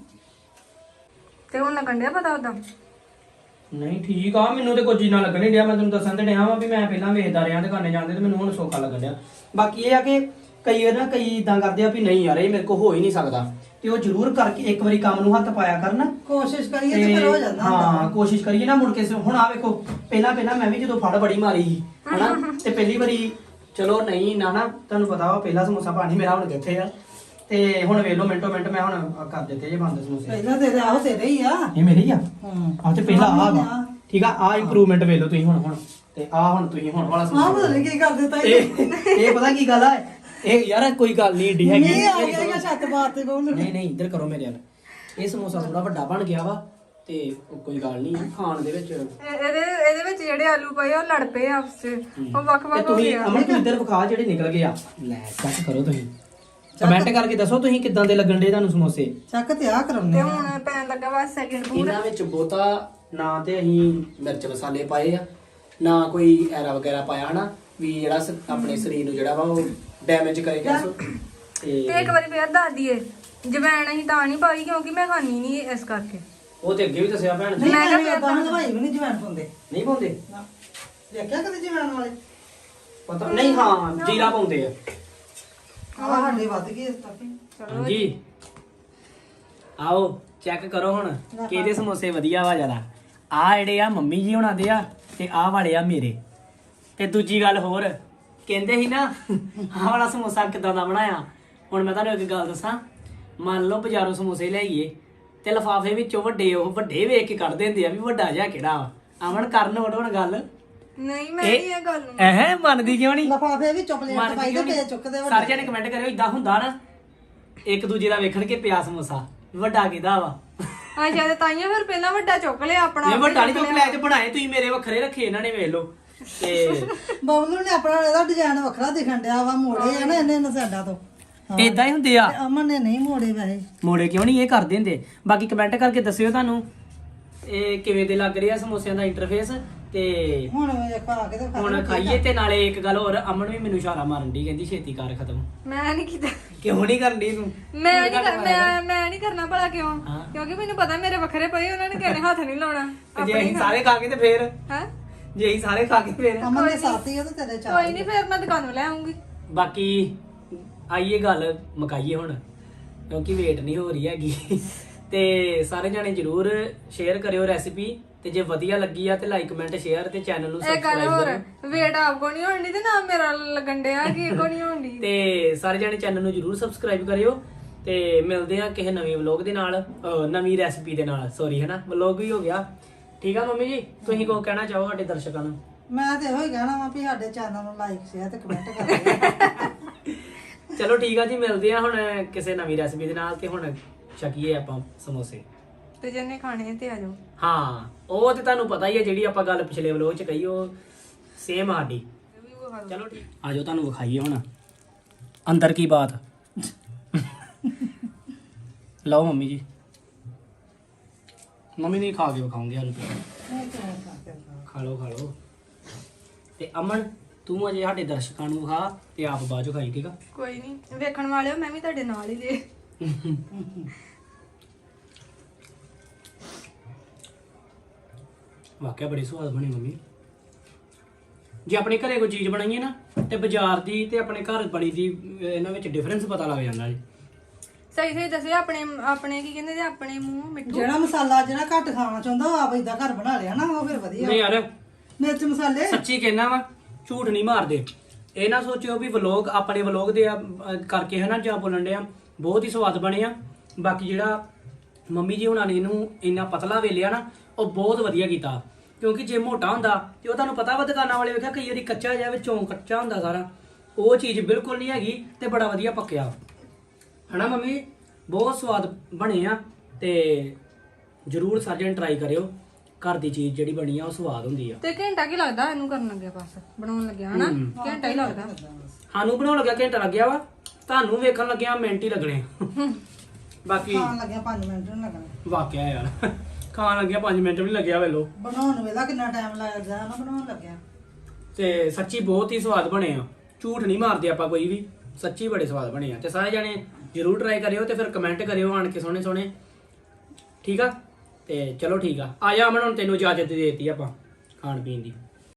Speaker 3: ਤੇ ਹੁਣ ਲੱਗਣ ਡਿਆ ਪਤਾ ਉਹਦਾ।
Speaker 1: ਨਹੀਂ ਠੀਕ ਆ, ਮੈਨੂੰ ਤੇ ਕੁਝ ਨਾ ਲੱਗਣ ਨਹੀਂ ਡਿਆ। ਮੈਂ ਤੁਹਾਨੂੰ ਦੱਸਣ ਤੇ ਡਿਆ ਵਾਂ ਵੀ ਮੈਂ ਪਹਿਲਾਂ ਵੇਖਦਾ ਰਿਹਾ ਦੁਕਾਨੇ ਜਾਂਦੇ, ਤੇ ਮੈਨੂੰ ਹੁਣ ਸੌਖਾ ਲੱਗਣ ਡਿਆ। ਬਾਕੀ ਇਹ ਆ ਕਿ ਕਈ ਵਾਰ ਨਾ ਕਈ ਇਦਾਂ ਕਰਦੇ ਆ ਵੀ ਨਹੀਂ ਯਾਰ ਇਹ ਮੇਰੇ ਕੋਲ ਹੋ ਹੀ ਨਹੀਂ ਸਕਦਾ, ਤੇ ਉਹ ਜ਼ਰੂਰ ਕਰਕੇ ਇੱਕ ਵਾਰੀ ਕੰਮ ਨੂੰ ਹੱਥ ਪਾਇਆ ਕਰਨ।
Speaker 2: ਕੋਸ਼ਿਸ਼ ਕਰੀਏ ਤੇ ਫਿਰ ਹੋ ਜਾਂਦਾ
Speaker 1: ਹਾਂ
Speaker 2: ਹੁੰਦਾ।
Speaker 1: ਕੋਸ਼ਿਸ਼ ਕਰੀਏ ਨਾ ਮੁੜ ਕੇ। ਹੁਣ ਆ ਵੇਖੋ ਪਹਿਲਾਂ ਪਹਿਲਾਂ ਮੈਂ ਵੀ ਜਦੋਂ ਫੜ ਬੜੀ ਮਾਰੀ ਸੀ ਹਨਾ, ਤੇ ਪਹਿਲੀ ਵਾਰੀ ਚਲੋ ਨਹੀਂ ਨਾ ਨਾ ਤੁਹਾਨੂੰ ਪਤਾ ਵਾ ਪਹਿਲਾ ਸਮੋਸਾ ਪਾਣੀ ਮੇਰਾ ਹੁਣ ਕਿੱਥੇ ਆ, ਤੇ ਹੁਣ ਵੇਖ ਲਓ ਮਿੰਟੋ ਮਿੰਟ ਮੈਂ ਹੁਣ ਆਹ ਕਰ ਦਿੱਤੇ ਜੇ ਬੰਦ ਸਮੋਸੇ।
Speaker 2: ਪਹਿਲਾਂ ਤੇਰੇ ਆਹੋ ਤੇਰੇ ਹੀ ਆ।
Speaker 1: ਇਹ ਮੇਰੇ ਹੀ ਆ।
Speaker 2: ਹੂੰ
Speaker 1: ਆ ਤੇ ਪਹਿਲਾਂ ਆ ਵਾ ਠੀਕ ਆ, ਆ ਇੰਪਰੂਵਮੈਂਟ ਵੇਖ ਲਓ ਤੁਸੀਂ ਹੁਣ ਹੁਣ ਤੇ ਆ ਹੁਣ ਤੁਸੀਂ ਹੁਣ ਵਾਲਾ
Speaker 2: ਆਹ
Speaker 1: ਸਮੋਸਾ
Speaker 2: ਪਤਾ ਨਹੀਂ ਕੀ ਕਰ ਦਿੱਤਾ
Speaker 1: ਇਹ ਇਹ ਪਤਾ ਕੀ ਗੱਲ ਆ, ਇਹ ਯਾਰ ਕੋਈ ਗੱਲ ਨਹੀਂ ਏਡੀ ਹੈਗੀ।
Speaker 2: ਨਹੀਂ ਆ ਗਿਆ ਜਾਂ ਛੱਤ ਬਾਤ ਤੇ ਬਬਲੂ।
Speaker 1: ਨਹੀਂ ਨਹੀਂ ਇੱਧਰ ਕਰੋ ਮੇਰੇ ਨਾਲ। ਇਹ ਸਮੋਸਾ ਥੋੜਾ ਵੱਡਾ ਬਣ ਗਿਆ ਵਾ, ਤੇ ਉਹ ਕੋਈ ਗੱਲ ਨਹੀਂ ਖਾਣ ਦੇ ਵਿੱਚ।
Speaker 3: ਇਹ- ਇਹਦੇ ਇਹਦੇ ਵਿੱਚ ਜਿਹੜੇ ਆਲੂ ਪਏ ਆ, ਉਹ ਲੜ ਪਏ ਆਪਸ ਚ, ਉਹ ਵੱਖ
Speaker 1: ਤੇ
Speaker 3: ਵੱਖ ਹੋ
Speaker 1: ਤੁਸੀਂ
Speaker 3: ਗਏ ਆ।
Speaker 1: ਅਮਨ ਤੂੰ ਇੱਧਰ ਵਿਖਾ ਜਿਹੜੇ ਨਿਕਲ ਗਏ ਆ। ਲੈ ਚੈੱਕ ਕਰੋ ਤੁਸੀਂ, ਕਮੈਂਟ ਕਰਕੇ ਦੱਸੋ ਤੁਸੀਂ ਕਿੱਦਾਂ ਦੇ ਲੱਗਣ ਦੇ ਤੁਹਾਨੂੰ ਸਮੋਸੇ।
Speaker 2: ਚੱਕ ਤੇ ਆ
Speaker 3: ਤੇ
Speaker 2: ਕਰਾਉਣੇ ਆ।
Speaker 3: ਹੁਣ ਪੈਣ ਲੱਗਾ ਵਾ ਸੈਕਿੰਡ ਫੂਡ।
Speaker 1: ਇਹਨਾਂ ਵਿੱਚ ਬਹੁਤਾ ਨਾ ਤੇ ਅਸੀਂ ਮਿਰਚ ਮਸਾਲੇ ਪਾਏ ਆ, ਨਾ ਕੋਈ ਐਰਾ ਵਗੈਰਾ ਪਾਇਆ ਹਨਾ, ਵੀ ਜਿਹੜਾ ਸ- ਆਪਣੇ ਸਰੀਰ ਨੂੰ ਜਿਹੜਾ ਵਾ ਉਹ ਡੈਮੇਜ ਕਰੇਗਾ। ਸੋ
Speaker 3: ਤੇ ਇੱਕ ਵਾਰੀ ਫੇਰ ਦੱਸ ਦਈਏ, ਜਵੈਣ ਅਸੀਂ ਤਾਂ ਨਹੀਂ ਪਾਈ ਕਿਉਂਕਿ ਮੈਂ ਖਾਣੀ ਨਹੀਂ ਇਸ ਕਰਕੇ।
Speaker 1: ਉਹ ਤੇ ਅੱਗੇ ਵੀ ਦੱਸਿਆ ਭੈਣ ਜੀ।
Speaker 2: ਨਹੀਂ
Speaker 3: ਮੈਂ ਕਿਹਾ
Speaker 2: ਮੈਂ
Speaker 3: ਫਿਰ
Speaker 2: ਤਾਂ ਦਵਾਈ ਵੀ ਨਹੀਂ ਜਵੈਣ ਪਾਉਂਦੇ
Speaker 1: ਨਹੀਂ ਪਾਉਂਦੇ?
Speaker 2: ਨਾ ਦੇਖਿਆ ਕਦੇ ਜਵੈਣ ਵਾਲੇ?
Speaker 1: ਪਤਾ ਨਹੀਂ, ਹਾਂ ਜੀਰਾ ਪਾਉਂਦੇ ਆ।
Speaker 2: ਆਹ ਸਾਡੇ ਵੱਧ ਗਈ ਇਸ ਤੱਕ।
Speaker 3: ਚਲੋ
Speaker 1: ਜੀ ਆਓ ਚੈੱਕ ਕਰੋ ਹੁਣ ਕਿਹਦੇ ਸਮੋਸੇ ਵਧੀਆ ਵਾ ਜ਼ਿਆਦਾ। ਆ ਜਿਹੜੇ ਆ ਮੰਮੀ ਜੀ ਹੁਣਾਂ ਦੇ ਆ, ਤੇ ਆਹ ਵਾਲੇ ਆ ਮੇਰੇ। ਤੇ ਦੂਜੀ ਗੱਲ ਹੋਰ ਕਹਿੰਦੇ ਸੀ ਨਾ ਆਹ ਵਾਲਾ ਸਮੋਸਾ ਕਿਦਾਂ ਦਾ ਬਣਾਇਆ। ਹੁਣ ਮੈਂ ਤੁਹਾਨੂੰ ਇੱਕ ਗੱਲ ਦੱਸਾਂ, ਮੰਨ ਲਓ ਬਾਜ਼ਾਰੋਂ ਸਮੋਸੇ ਲਿਆਈਏ ਤੇ ਲਫਾਫੇ ਵਿੱਚੋਂ ਵੱਡੇ ਉਹ ਵੱਡੇ ਵੇਖ ਕੇ ਕੱਢ ਦਿੰਦੇ ਆ ਵੀ ਵੱਡਾ ਜਿਹਾ ਕਿਹੜਾ ਵਾ। ਅਮਨ ਕਰਨ ਵੜ ਹੁਣ ਗੱਲ
Speaker 3: ਨਹੀਂ ਮੈਂ ਨਹੀਂ ਇਹ ਗੱਲ ਨੂੰ
Speaker 1: ਐਹ ਮੰਨਦੀ ਕਿਉਂ ਨਹੀਂ?
Speaker 2: ਲਫਾਫੇ ਵਿੱਚ ਚੁਪਲੇਟ
Speaker 1: ਮੰਨਦੀ
Speaker 2: ਪਾਈ
Speaker 1: ਕਿਉਂ
Speaker 2: ਤੇ
Speaker 1: ਨਹੀਂ?
Speaker 2: ਚੁੱਕਦੇ
Speaker 1: ਸਾਰੇ ਜਣੇ ਕਮੈਂਟ ਕਰਿਓ ਇਦਾਂ ਹੁੰਦਾ ਨਾ, ਇੱਕ ਦੂਜੇ ਦਾ ਵੇਖਣ ਕੇ ਪਿਆ ਸਮੋਸਾ ਵੱਡਾ ਕਿਹਦਾ ਵਾ।
Speaker 3: ਅੱਛਾ ਤੇ ਤਾਈਆਂ ਫਿਰ ਪਹਿਲਾਂ ਵੱਡਾ ਚੁੱਕ ਲਿਆ ਆਪਣਾ।
Speaker 1: ਇਹ ਵੱਡਾ ਨਹੀਂ ਚੁੱਕ ਲਿਆ, ਤੇ ਬਣਾਏ ਤੁਸੀਂ ਮੇਰੇ ਵੱਖਰੇ ਰੱਖੇ ਇਹਨਾਂ ਨੇ, ਵੇਖ ਲਓ। ਤੇ
Speaker 2: ਬਬਲੂ ਨੇ ਆਪਣਾ ਇਹਦਾ ਡਿਜ਼ਾਈਨ ਵੱਖਰਾ ਦਿਖਣ ਡਿਆ ਵਾ, ਮੋੜੇ ਆ ਨਾ ਇਹਨੇ ਇਹਨਾਂ ਸਾਡਾ ਤੋਂ।
Speaker 1: ਇਦਾਂ ਹੀ ਹੁੰਦੇ ਆ।
Speaker 2: ਤੇ ਅਮਨ ਨੇ ਨਹੀਂ ਮੋੜੇ ਵੈਸੇ।
Speaker 1: ਮੋੜੇ ਕਿਉਂ ਨਹੀਂ ਇਹ ਕਰਦੇ ਹੁੰਦੇ। ਬਾਕੀ ਕਮੈਂਟ ਕਰਕੇ ਦੱਸਿਓ ਤੁਹਾਨੂੰ ਇਹ ਕਿਵੇਂ ਦੇ ਲੱਗ ਰਿਹਾ ਸਮੋਸਿਆਂ ਦਾ ਇੰਟਰਫੇਸ। ਤੇ
Speaker 2: ਹੁਣ ਇਹ ਖਾ ਕੇ ਤੇ ਖਾ
Speaker 1: ਹੁਣ ਖਾਈਏ। ਤੇ ਨਾਲੇ ਇੱਕ ਗੱਲ ਹੋਰ, ਅਮਨ ਵੀ ਮੈਨੂੰ ਇਸ਼ਾਰਾ ਮਾਰਨ ਦੀ, ਕਹਿੰਦੀ ਛੇਤੀ ਕਰ ਖਤਮ।
Speaker 3: ਮੈਂ ਨਹੀਂ ਕੀਤਾ।
Speaker 1: ਕਿਉਂ ਨਹੀਂ ਕਰਨੀ ਤੂੰ?
Speaker 3: ਮੈਂ ਨਹੀਂ ਕਰ- ਮੈਂ ਮੈਂ ਨਹੀਂ ਕਰਨਾ ਭਲਾ ਕਿਉਂ?
Speaker 1: ਹਾਂ।
Speaker 3: ਕਿਉਂਕਿ ਮੈਨੂੰ ਪਤਾ ਮੇਰੇ ਵੱਖਰੇ ਪਏ, ਉਹਨਾਂ ਨੇ ਕਿਸੇ ਹੱਥ ਨਹੀਂ ਲਾਉਣਾ।
Speaker 1: ਤੇ ਜੇ ਅਸੀਂ ਸਾਰੇ ਖਾ ਕੇ ਤੇ ਫੇਰ
Speaker 3: ਹੈ
Speaker 1: ਜੇ ਅਸੀਂ ਸਾਰੇ ਖਾ ਕੇ ਫੇਰ
Speaker 2: ਅਮਨ ਦੇ ਸਾਥੀ ਉਹ ਤੇ ਤੇਰੇ ਚਾਰ।
Speaker 3: ਕੋਈ ਨਹੀਂ, ਫਿਰ ਮੈਂ ਦੁਕਾਨੋਂ ਲੈ ਆਉਂਗੀ।
Speaker 1: ਬਾਕੀ ਆਈਏ ਗੱਲ ਮੁਕਾਈਏ ਹੁਣ, ਕਿਉਂਕਿ ਵੇਟ ਨਹੀਂ ਹੋ ਰਹੀ ਹੈਗੀ। ਤੇ ਸਾਰੇ ਜਾਣੇ ਜਰੂਰ ਸ਼ੇਅਰ ਕਰਿਓ ਰੈਸਿਪੀ, ਤੇ ਜੇ ਵਧੀਆ ਲੱਗੀ ਆ ਤੇ ਲਾਈਕ ਕਮੈਂਟ ਸ਼ੇਅਰ, ਤੇ ਚੈਨਲ ਨੂੰ
Speaker 3: ਇਹ ਗੱਲ
Speaker 1: ਸਬਸਕ੍ਰਾਈਬ
Speaker 3: ਹੋਰ,
Speaker 1: ਕਰੋ।
Speaker 3: ਵੇਟ ਆਪ ਕੋ ਨਹੀਂ ਹੋਣੀ ਤੇ ਨਾ ਮੇਰਾ ਲੱਗਣ ਡਿਆ ਕਿ ਕੋ ਨਹੀਂ ਹੋਣੀ।
Speaker 1: ਤੇ ਸਾਰੇ ਜਾਣੇ ਚੈਨਲ ਨੂੰ ਜਰੂਰ ਸਬਸਕ੍ਰਾਈਬ ਕਰਿਓ, ਤੇ ਮਿਲਦੇ ਆ ਕਿਸੇ ਨਵੇਂ ਵਲੌਗ ਦੇ ਨਾਲ, ਅਹ ਨਵੀਂ ਰੈਸਿਪੀ ਦੇ ਨਾਲ। ਸੌਰੀ ਹੈ ਨਾ, ਵਲੌਗ ਵੀ ਹੋ ਗਿਆ। ਠੀਕ ਆ ਮੰਮੀ ਜੀ, ਤੁਸੀਂ ਕੋ ਕਹਿਣਾ ਚਾਹੋ ਸਾਡੇ ਦਰਸ਼ਕਾਂ ਨੂੰ?
Speaker 2: ਮੈਂ ਤੇ ਇਹੋ ਹੀ ਕਹਿਣਾ ਵਾ ਵੀ ਸਾਡੇ ਚੈਨਲ ਨੂੰ ਲਾਈਕ ਸ਼ੇਅਰ ਤੇ ਕਮੈਂਟ ਕਰਿਓ।
Speaker 1: ਚਲੋ ਠੀਕ ਆ ਜੀ, ਮਿਲਦੇ ਆ ਹੁਣ ਕਿਸੇ ਨਵੀਂ ਰੈਸਿਪੀ ਦੇ ਨਾਲ। ਤੇ ਹੁਣ ਛਕੀਏ ਆਪਾਂ ਸਮੋਸੇ।
Speaker 3: ਤੇ ਜਿਹਨੇ ਖਾਣੇ ਤੇ ਆ ਜਾਓ।
Speaker 1: ਹਾਂ ਉਹ ਤੇ ਤੁਹਾਨੂੰ ਪਤਾ ਹੀ ਹੈ, ਜਿਹੜੀ ਆਪਾਂ ਗੱਲ ਪਿਛਲੇ ਵਲੋਗ ਚ ਕਹੀ ਉਹ ਸੇਮ ਸਾਡੀ।
Speaker 3: ਇਹ ਵੀ ਵਿਖਾ ਦਿਓ।
Speaker 1: ਚਲੋ ਠੀਕ ਆ ਜਾਓ, ਤੁਹਾਨੂੰ ਵਿਖਾਈਏ ਹੁਣ ਅੰਦਰ ਕੀ ਬਾਤ। ਲਓ ਮੰਮੀ ਜੀ, ਮੰਮੀ ਨੇ ਖਾ ਕੇ ਵਿਖਾਉਂਗੇ ਸਾਨੂੰ ਤੇ।
Speaker 2: ਨਹੀਂ ਤੇ ਖਾ ਕੇ ਖਾ।
Speaker 1: ਖਾ ਲਓ ਖਾ ਲਓ। ਤੇ ਅਮਨ ਤੂੰ ਅਜੇ ਸਾਡੇ ਦਰਸ਼ਕਾਂ ਨੂੰ ਖਾ ਤੇ ਆਪ ਬਾਅਦ ਚੋਂ ਖਾਈ, ਠੀਕ ਆ?
Speaker 3: ਕੋਈ ਨਹੀਂ, ਵੇਖਣ ਵਾਲਿਓ ਮੈਂ ਵੀ ਤੁਹਾਡੇ ਨਾਲ ਹੀ ਜੇ।
Speaker 1: ਵਾਕਿਆ ਬੜੀ ਸਵਾਦ ਬਣੀ ਮੰਮੀ। ਜੇ ਆਪਣੇ ਘਰੇ ਕੋਈ ਚੀਜ਼ ਬਣਾਈਏ ਨਾ ਤੇ ਬਾਜ਼ਾਰ ਦੀ ਤੇ ਆਪਣੇ ਘਰ ਬਣੀ ਦੀ ਇਹਨਾਂ ਵਿੱਚ ਡਿਫਰੈਂਸ ਪਤਾ ਲੱਗ ਜਾਂਦਾ ਜੀ।
Speaker 3: ਸਹੀ ਸਹੀ ਦੱਸਿਓ, ਆਪਣੇ ਆਪਣੇ ਕੀ ਕਹਿੰਦੇ ਨੇ, ਆਪਣੇ ਮੂੰਹ ਮਿੱਠੂ।
Speaker 2: ਜਿਹੜਾ ਮਸਾਲਾ ਜਿਹੜਾ ਘੱਟ ਖਾਣਾ ਚਾਹੁੰਦਾ ਉਹ ਆਪ ਏਦਾਂ ਘਰ ਬਣਾ ਲਿਆ ਨਾ, ਉਹ ਫਿਰ ਵਧੀਆ।
Speaker 1: ਨਹੀਂ ਯਾਰ
Speaker 2: ਮਿਰਚ ਮਸਾਲੇ
Speaker 1: ਸੱਚੀ ਕਹਿਣਾ ਵਾ, ਝੂਠ ਨਹੀਂ ਮਾਰਦੇ। ਇਹ ਨਾ ਸੋਚਿਓ ਵੀ ਵਲੋਗ ਆਪਣੇ ਵਲੋਗ ਦੇ ਆ, ਅਹ ਕਰਕੇ ਹੈ ਨਾ ਜਾਂ ਬੋਲਣ ਦੇ ਆ, ਬਹੁਤ ਹੀ ਸਵਾਦ ਬਣੇ ਆ। ਬਾਕੀ ਜਿਹੜਾ ਮੰਮੀ ਜੀ ਹੁਣਾਂ ਨੇ ਇਹਨੂੰ ਇੰਨਾ ਪਤਲਾ ਵੇਲਿਆ ਨਾ, ਉਹ ਬਹੁਤ ਵਧੀਆ ਕੀਤਾ। ਕਿਉਂਕਿ ਜੇ ਮੋਟਾ ਹੁੰਦਾ ਤੇ ਉਹ ਤੁਹਾਨੂੰ ਪਤਾ ਵਾ, ਦੁਕਾਨਾਂ ਵਾਲੇ ਵੇਖਿਆ ਕਈ ਵਾਰੀ ਕੱਚਾ ਜਿਹਾ ਵਿੱਚੋਂ ਕੱਚਾ ਹੁੰਦਾ ਸਾਰਾ, ਉਹ ਚੀਜ਼ ਬਿਲਕੁਲ ਨਹੀਂ ਹੈਗੀ ਤੇ ਬੜਾ ਵਧੀਆ ਪੱਕਿਆ ਹਨਾ ਮੰਮੀ। ਬਹੁਤ ਸਵਾਦ ਬਣੇ ਆ ਤੇ ਜਰੂਰ ਸਾਰੇ ਜਣੇ ਟਰਾਈ ਕਰਿਓ। ਘਰ ਦੀ ਚੀਜ਼ ਜਿਹੜੀ ਬਣੀ ਆ ਉਹ ਸਵਾਦ ਹੁੰਦੀ ਆ।
Speaker 3: ਤੇ ਘੰਟਾ ਕੀ ਲੱਗਦਾ ਇਹਨੂੰ ਕਰਨ ਲੱਗਿਆ, ਬਸ ਬਣਾਉਣ ਲੱਗਿਆ ਹਨਾ? ਘੰਟਾ ਹੀ ਲੱਗਦਾ।
Speaker 1: ਸਾਨੂੰ ਬਣਾਉਣ ਲੱਗਿਆ ਘੰਟਾ ਲੱਗਿਆ ਵਾ, ਤੁਹਾਨੂੰ ਵੇਖਣ ਲੱਗਿਆ ਮਿੰਟ ਹੀ ਲੱਗਣੇ। ਬਾਕੀ
Speaker 2: ਖਾਣ ਲੱਗਿਆ ਪੰਜ ਮਿੰਟ ਨਹੀਂ ਲੱਗਣੇ।
Speaker 1: ਵਾਕਿਆ ਯਾਰ ਖਾਣ ਲੱਗਿਆ ਪੰਜ ਮਿੰਟ ਵੀ ਨੀ ਲੱਗਿਆ ਵੇਲੋ।
Speaker 2: ਬਣਾਉਣ ਵੇਲਾ ਕਿੰਨਾ ਟਾਈਮ ਲੱਗਦਾ ਨਾ ਬਣਾਉਣ ਲੱਗਿਆ।
Speaker 1: ਤੇ ਸੱਚੀ ਬਹੁਤ ਹੀ ਸਵਾਦ ਬਣੇ ਆ, ਝੂਠ ਨਹੀਂ ਮਾਰਦੇ ਆਪਾਂ ਕੋਈ ਵੀ, ਸੱਚੀ ਬੜੇ ਸਵਾਦ ਬਣੇ ਆ। ਤੇ ਸਾਰੇ ਜਾਣੇ ਜਰੂਰ ਟਰਾਈ ਕਰਿਓ ਤੇ ਫਿਰ ਕਮੈਂਟ ਕਰਿਓ ਆਣ ਕੇ ਸੋਹਣੇ ਸੋਹਣੇ, ਠੀਕ ਆ? ਤੇ ਚਲੋ ਠੀਕ ਆ, ਆ ਜਾ ਅਮਨ, ਹੁਣ ਤੈਨੂੰ ਇਜਾਜ਼ਤ ਦੇ ਦਿੱਤੀ ਆਪਾਂ ਖਾਣ ਪੀਣ ਦੀ।